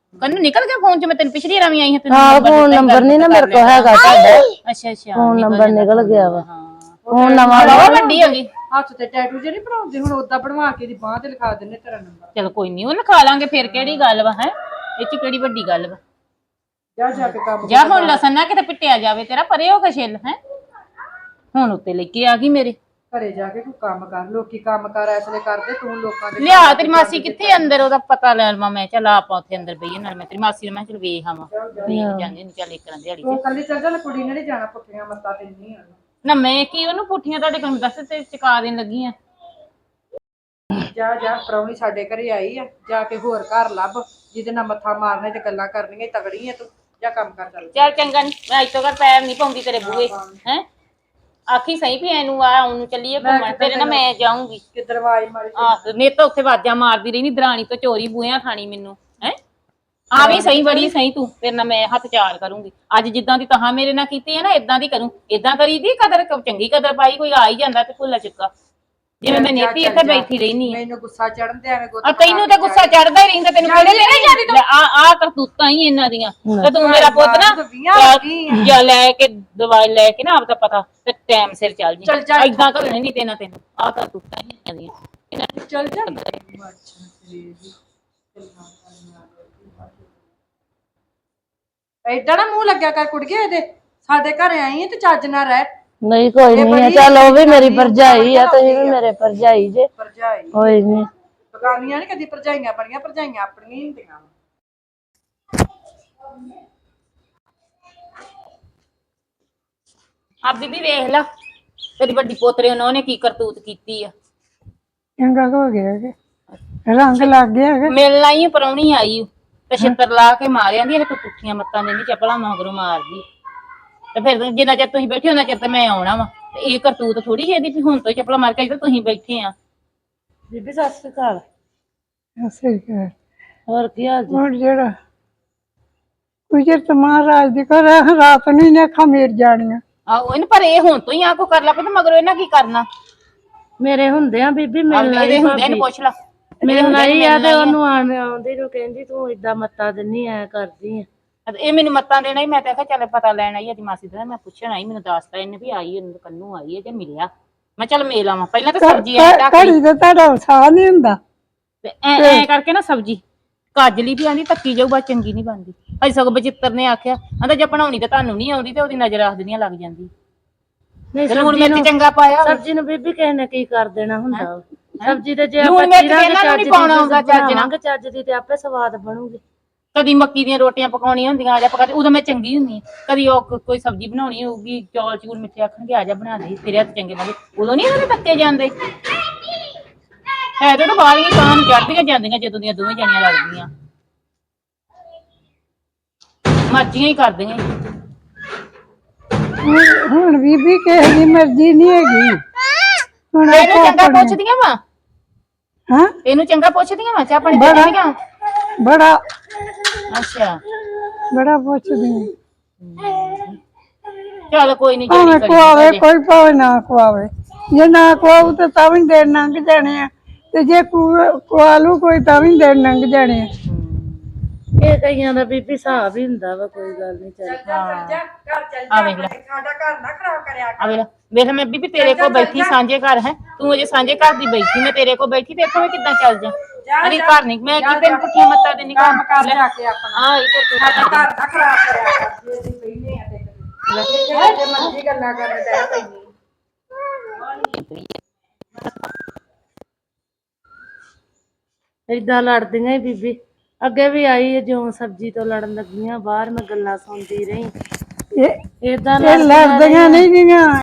ਕੰਨੂ ਨਿਕਲ ਗਿਆ ਫੋਨ ਚ, ਮੈਂ ਤੈਨੂੰ ਪਿਛਲੀ ਵਾਰ ਵੀ ਆਈ ਹਾਂ ਤੈਨੂੰ
ਹਾਂ ਫੋਨ ਨੰਬਰ ਨਹੀਂ ਨਾ ਮੇਰੇ ਕੋਲ ਹੈਗਾ ਤੁਹਾਡਾ,
ਅੱਛਾ ਅੱਛਾ
ਫੋਨ ਨੰਬਰ ਨਿਕਲ ਗਿਆ ਵਾ,
ਹਾਂ
ਫੋਨ ਨਵਾਂ
ਬਹੁਤ ਵੱਡੀ ਹੋ ਗਈ।
ਹੱਥ ਤੇ ਟੈਟੂ ਜੇ ਨਹੀਂ ਬਣਾਉਂਦੇ ਹੁਣ ਉਦਾਂ ਬਣਵਾ ਕੇ ਦੀ ਬਾਹ ਤੇ ਲਿਖਾ ਦਿੰਨੇ ਤੇਰਾ ਨੰਬਰ।
ਚਲ ਕੋਈ ਨਹੀਂ, ਉਹ ਲਿਖਾ ਲਾਂਗੇ, ਫਿਰ ਕਿਹੜੀ ਗੱਲ ਵਾ ਹੈ, ਇਹ ਚ ਕਿਹੜੀ ਵੱਡੀ ਗੱਲ ਵਾ।
ਜਾ ਜਾ ਕੇ ਕੰਮ
ਜਾ ਹੁਣ ਲਸਣ ਨਾ ਕਿਤੇ ਪਿੱਟਿਆ ਜਾਵੇ ਤੇਰਾ, ਪਰੇ ਹੋ ਕੇ ਛਿੱਲ ਹੈ। ਹੁਣ ਉੱਤੇ ਲੈ ਕੇ ਆ ਗਈ ਮੇਰੇ।
ਘਰੇ ਜਾ ਕੇ ਕੋਈ ਕੰਮ ਕਰ, ਲੋਕੀ ਕੰਮ ਕਰ ਐਸਲੇ ਕਰਦੇ, ਤੂੰ ਲੋਕਾਂ ਦੇ
ਲਿਆ ਤੇਰੀ ਮਾਸੀ ਕਿੱਥੇ ਅੰਦਰ, ਉਹਦਾ ਪਤਾ ਲੈ ਲਵਾਂ ਮੈਂ। ਚੱਲ ਆਪਾਂ ਉੱਥੇ ਅੰਦਰ ਬਈਏ, ਨਾਲ ਮੈਂ ਤੇਰੀ ਮਾਸੀ ਨੂੰ ਮੈਂ ਚਲ ਵੇਖ ਆਵਾਂ, ਵੇਖ ਜਾਂਦੇ ਨਹੀਂ ਚੱਲ ਇੱਕ ਨਾ ਦਿਹਾੜੀ
ਤੂੰ ਕੱਲੀ ਚੱਲ ਜਾ, ਕੁੜੀ ਨੇ ਨੀ ਜਾਣਾ ਪੁੱਠੀਆਂ ਮੱਤਾਂ ਦਿੰਨੀ ਆ।
ਨਾ ਮੈਂ ਕੀ ਉਹਨੂੰ ਪੁੱਠੀਆਂ ਤੁਹਾਡੇ ਕੋਲ ਦੱਸ ਤੇ ਚੁਕਾ ਦੇਣ ਲੱਗੀ ਆ।
ਜਾ ਜਾ ਪ੍ਰਾਹੁਣੀ ਸਾਡੇ ਘਰੇ ਆਈ ਆ, ਜਾ ਕੇ ਹੋਰ ਘਰ ਲੱਭ ਜਿਹਦੇ ਨਾਲ ਮੱਥਾ ਮਾਰਨੇ ਤੇ ਗੱਲਾਂ ਕਰਨੀਆਂ, ਤਗੜੀ ਆ ਤੂੰ, ਜਾ ਕੰਮ ਕਰ ਚੱਲ।
ਚੱਲ ਚੰਗਾ, ਨਹੀਂ ਮੈਂ ਅੱਜ ਤੋਂ ਘਰ ਪੈਰ ਨਹੀਂ ਪਾਉਂਦੀ ਤੇਰੇ ਬੂਹੇ ਹੈ। ਆਖੀ ਸਹੀ ਵੀ ਇਹਨੂੰ ਆ ਉਹਨੂੰ ਚੱਲੀਏ ਘੁੰਮਣ, ਤੇਰੇ ਨਾਲ ਮੈਂ ਜਾਊਂਗੀ।
ਕਿੱਧਰ ਆਵਾਜ਼ ਮਾਰੀ
ਆਹ ਨੇ ਤਾਂ ਉੱਥੇ ਵਾਜਾਂ ਮਾਰਦੀ ਰਹੀ, ਨੀ ਦਰਾਣੀ ਤੋਂ ਚੋਰੀ ਬੂਹਿਆਂ ਖਾਣੀ ਮੈਨੂੰ ਹੈ। ਆ ਵੀ ਸਹੀ, ਬੜੀ ਸਹੀ ਤੂੰ, ਤੇਰੇ ਨਾਲ ਮੈਂ ਹੱਥ ਚਾਰ ਕਰੂੰਗੀ। ਅੱਜ ਜਿੱਦਾਂ ਦੀ ਤਹਾਂ ਮੇਰੇ ਨਾਲ ਕੀਤੀ ਹੈ ਨਾ, ਇਦਾਂ ਦੀ ਕਰੂੰ। ਇਦਾਂ ਕਰੀ ਦੀ ਕਦਰ, ਚੰਗੀ ਕਦਰ ਪਾਈ, ਕੋਈ ਆ ਹੀ ਜਾਂਦਾ ਤੇ ਭੁੱਲਾ ਚੁੱਕਾ, ਜਿਵੇਂ ਮੈਂ ਨੇਤੀ ਇੱਥੇ ਬੈਠੀ ਰਹਿਨੀ ਆ।
ਮੈਨੂੰ ਗੁੱਸਾ ਚੜਨ ਤੇ ਐਵੇਂ
ਆ ਤੈਨੂੰ ਤਾਂ ਗੁੱਸਾ ਚੜਦਾ ਹੀ ਰਹਿੰਦਾ, ਤੈਨੂੰ ਕਿਹੜੇ ਨੇ ਆ ਕਰਤੂਤਾਂ ਹੀ ਇਹਨਾਂ ਦੀਆਂ। ਤੇ ਤੂੰ ਮੇਰਾ ਪੁੱਤ ਨਾ ਜਾਂ ਲੈ ਕੇ ਦਵਾਈ ਲੈ ਕੇ ਨਾ ਆਪਦਾ ਪਤਾ ਤੇ ਟਾਈਮ ਸਿਰ ਚੱਲ ਜੀ, ਏਦਾਂ ਕਰਨੇ ਨਹੀਂ ਤੈਨਾਂ ਤੈਨੂੰ ਆ ਕਰਤੂਤਾਂ ਹੀ ਇਹਨਾਂ ਦੀਆਂ।
ਚੱਲ ਜਾ। ਏਦਾਂ ਨਾ ਮੂੰਹ ਲੱਗਿਆ ਕਰ ਕੁੜੀਏ ਇਹਦੇ, ਸਾਡੇ ਘਰੇ ਆਈ ਹੈ ਤੇ ਚੱਜ ਨਾ ਰਹਿ।
ਨਹੀਂ ਕੋਈ ਨਹੀਂ ਆ, ਚੱਲ ਉਹ ਵੀ ਮੇਰੀ ਭਰਜਾਈ ਆ, ਤੁਸੀਂ ਵੀ ਮੇਰੇ ਭਰਜਾਈ ਜੇ,
ਭਰਜਾਈ
ਕੋਈ ਨਹੀਂ।
ਬਗਾਨੀਆਂ ਨੀ ਕਦੀ ਭਰਜਾਈਆਂ ਬਣੀਆਂ, ਭਰਜਾਈਆਂ ਆਪਣੀਆਂ ਹੀ ਹੁੰਦੀਆਂ।
ਆ ਬੀਬੀ ਵੇਖ ਲਾ ਤੇਰੀ ਵੱਡੀ ਪੋਤਰੇ ਉਹਨੇ ਕੀ ਕਰਤੂਤ ਕੀਤੀ ਆ।
ਚੰਗਾ ਹੋ ਗਿਆ ਕਿ ਰੰਗ ਲੱਗ ਗਿਆ ਕਿ
ਮਿਲਣਾ ਹੀ ਪਰੌਣੀ ਆਈ ਤੇ ਛਿੱਤਰ ਲਾ ਕੇ ਮਾਰਿਆ ਦੀ, ਇਹ ਤੂੰ ਪੁੱਠੀਆਂ ਮੱਤਾਂ ਦੇਂਦੀ, ਚੱਪਲਾਂ ਮਗਰੋਂ ਮਾਰਦੀ। ਤੇ ਫਿਰ ਜਿੰਨਾ ਚਿਰ ਤੁਸੀਂ ਬੈਠੇ ਉਹਨਾਂ ਚਿਰ ਤੇ ਮੈਂ ਆਉਣਾ ਵਾ, ਤੇ ਇਹ ਕਰਤੂਤ ਥੋੜੀ ਜਿਹੀ ਵੀ ਹੁਣ ਤੋਂ ਚੱਪਲਾਂ ਮਾਰ ਕੇ ਇੱਥੇ ਤੁਸੀਂ ਬੈਠੇ ਆ।
ਬੀਬੀ ਸਤਿ ਸ਼੍ਰੀ ਅਕਾਲ।
ਸਹੀ ਕਰ
ਹੋਰ ਕੀ ਹਾਲ ਜੀ?
ਹੁਣ ਜਿਹੜਾ ਕੁਝ ਮਹਾਰਾਜ ਦੀ ਕਰ ਰਾਤ ਨੂੰ ਨੇ ਖਮੀਰ ਜਾਣੀਆਂ।
ਆਹੋ ਇਹਨੂੰ, ਪਰ ਇਹ ਹੁਣ ਤੋਂ ਹੀ ਆ ਕੋ ਕਰ ਲਾ ਪਏ, ਮਗਰੋਂ ਇਹਨਾਂ ਕੀ ਕਰਨਾ।
ਮੇਰੇ ਹੁੰਦੇ ਆ ਬੀਬੀ, ਮਿਲਣਾ
ਇਹਦੇ ਹੁੰਦੇ ਇਹਨੂੰ ਪੁੱਛ ਲਾ,
ਮਿਲਣਾ ਹੀ ਆ। ਤੇ ਉਹਨੂੰ ਆਉਂਦੀ ਨੂੰ ਕਹਿੰਦੀ ਤੂੰ ਏਦਾਂ ਮੱਤਾ ਦਿੰਨੀ ਐ ਕਰਦੀ ਆ।
ਇਹ ਮੈਨੂੰ ਮੱਤਾਂ ਦੇਣਾ ਹੀ, ਮੈਂ ਤਾਂ ਆਖਿਆ ਚੱਲ ਪਤਾ ਲੈਣ ਆਈ ਇਹਦੀ ਮਾਸੀ ਦਾ, ਮੈਂ ਪੁੱਛਣ ਆਈ, ਮੈਨੂੰ ਦੱਸਦਾ ਇਹਨੇ ਵੀ ਆਈ ਇਹਨੂੰ ਕੰਨੂ ਆਈ ਹੈ ਜੇ ਮਿਲਿਆ। ਮੈਂ ਚੱਲ ਮੇਲ ਆਵਾਂ, ਪਹਿਲਾਂ ਤਾਂ ਸਬਜ਼ੀ ਐ
ਘੜੀ ਤੇ ਤੁਹਾਡਾ ਸਾਹ ਨਹੀਂ ਹੁੰਦਾ
ਤੇ ਐ ਕਰਕੇ ਨਾ ਸਬਜ਼ੀ ਕਾਜਲੀ ਵੀ ਆਂਦੀ ਧੱਕੀ ਜਾਊ, ਬਸ ਚੰਗੀ ਨਹੀਂ ਬਣਦੀ। ਅਜ ਸਗੋਂ ਬਚਿੱਤਰ ਨੇ ਆਖਿਆ ਆਂਦਾ ਜੇ ਬਣਾਉਣੀ ਤਾਂ ਤੁਹਾਨੂੰ ਨਹੀਂ ਆਉਂਦੀ, ਤੇ ਉਹਦੀ ਨਜ਼ਰ ਆਖ ਦਿੰਦੀਆਂ ਲੱਗ ਜਾਂਦੀ।
ਨਹੀਂ
ਲੂਣ ਮਿਰਚ ਚੰਗਾ ਪਾਇਆ,
ਸਬਜ਼ੀ ਨੂੰ ਬੀਬੀ ਕਿਸੇ ਨੇ ਕੀ ਕਰ ਦੇਣਾ ਹੁੰਦਾ। ਸਬਜ਼ੀ ਤੇ ਜੇ
ਲੂਣ ਮਿਰਚ ਇਹਨਾਂ ਨੂੰ ਨਹੀਂ ਪਾਉਣਾ ਹੁੰਦਾ ਚੱਜ ਨਾਲ,
ਚੱਜ ਦੀ ਤੇ ਆਪੇ ਸਵਾਦ ਬਣੂਗੀ।
ਕਦੀ ਮੱਕੀ ਦੀਆਂ ਰੋਟੀਆਂ ਪਕਾਉਣੀਆਂ ਹੁੰਦੀਆਂ ਆ ਜਾ ਪਕਾ, ਉਦੋਂ ਮੈਂ ਚੰਗੀ ਹੁੰਦੀ। ਕਦੀ ਉਹ ਕੋਈ ਸਬਜ਼ੀ ਬਣਾਉਣੀ ਹੋਊਗੀ, ਚੌਲ ਚੂਲ ਮਿੱਠੇ ਆਖਣਗੇ ਆ ਜਾ ਬਣਾ ਦੇ, ਤੇਰੇ ਹੱਥ ਚੰਗੇ ਬਣਦੇ, ਉਦੋਂ ਨਹੀਂ ਉਹਨਾਂ ਦੇ ਧੱਕੇ ਜਾਂਦੇ। ਹੈ ਤੇ ਬਾਹਰੀਆਂ ਕਾਂ ਨੂੰ ਚੜਦੀਆਂ ਜਾਂਦੀਆਂ ਜਦੋਂ ਦੀਆਂ ਦੋਵੇਂ ਜਾਣੀਆਂ ਲੱਗਦੀਆਂ, ਮਰਜ਼ੀਆਂ ਹੀ ਕਰਦੀਆਂ।
ਹੁਣ ਬੀਬੀ ਕਿਸੇ ਦੀ ਮਰਜ਼ੀ ਨਹੀਂ ਹੈਗੀ। ਹੁਣ
ਇਹਨੂੰ ਚੰਗਾ ਪੁੱਛਦੀਆਂ ਵਾ,
ਹਾਂ
ਇਹਨੂੰ ਚੰਗਾ ਪੁੱਛਦੀਆਂ ਵਾ, ਚਾਹ ਪਾਣੀ ਦੇਣੀਆਂ।
ਬੜਾ
ਅੱਛਾ
ਬੜਾ ਪੁੱਛਦੀ
ਚੱਲ ਕੋਈ ਨਹੀਂ,
ਭਾਵੇਂ ਖਵਾਵੇ ਕੋਈ, ਭਾਵੇਂ ਨਾ ਖਵਾਵੇ। ਜੇ ਨਾ ਖਵਾਉ ਤੇ ਤਾਂ ਵੀ ਦਿਨ ਲੰਘ ਜਾਣੇ ਆ, ਤੇ ਜੇ ਖਵਾ ਲੂ ਕੋਈ ਤਾਂ ਵੀ ਦਿਨ ਲੰਘ ਜਾਣੇ ਆ।
ਇਹ ਕਈਆਂ ਦਾ ਬੀਬੀ ਹਿਸਾਬ ਹੀ ਹੁੰਦਾ ਵਾ, ਕੋਈ ਗੱਲ ਨਹੀਂ। ਚੱਲ
ਆ ਵੇਖ ਲੈ,
ਸਾਡਾ ਘਰ ਨਾ ਖਰਾਬ ਕਰਿਆ
ਆ ਵੇਖ ਲੈ, ਵੇਖ ਮੈਂ ਬੀਬੀ ਤੇਰੇ ਕੋਲ ਬੈਠੀ ਸਾਂਝੇ ਘਰ ਹੈ, ਤੂੰ ਅਜੇ ਸਾਂਝੇ ਘਰ ਦੀ ਬੈਠੀ, ਮੈਂ ਤੇਰੇ ਕੋਲ ਬੈਠੀ ਤੇ ਇੱਥੋਂ ਮੈਂ ਕਿੱਦਾਂ ਚੱਲ ਜਾ। ਅਰੇ ਘਰ ਨਹੀਂ, ਮੈਂ ਕੀ ਤੈਨੂੰ ਪੁੱਠੀਆਂ ਮੱਤਾਂ ਦੇਣੀ, ਕੰਮ ਕਰ ਜਾ ਕੇ ਆਪਣਾ। ਹਾਂ ਇਹ ਤੇ
ਸਾਡਾ ਘਰ ਨਾ ਖਰਾਬ ਕਰਿਆ ਕਰ, ਜੇ ਅਸੀਂ ਪਹਿਲੇ ਆ ਤੇ ਜੇ ਮਰਜ਼ੀ ਗੱਲਾਂ ਕਰਨ ਤੇ ਪੈਣੀ।
ਏਦਾਂ ਲੜਦੀਆਂ ਹੀ ਬੀਬੀ, ਅੱਗੇ ਵੀ ਆਈ ਜਿਉਂ ਸਬਜ਼ੀ ਤੋਂ ਲੜਨ ਲੱਗੀਆਂ, ਬਾਹਰ ਮੈਂ ਗੱਲਾਂ ਸੁਣਦੀ ਰਹੀ।
ਇਹ
ਏਦਾਂ
ਲੜਦੀਆਂ ਨਹੀਂ ਗਈਆਂ।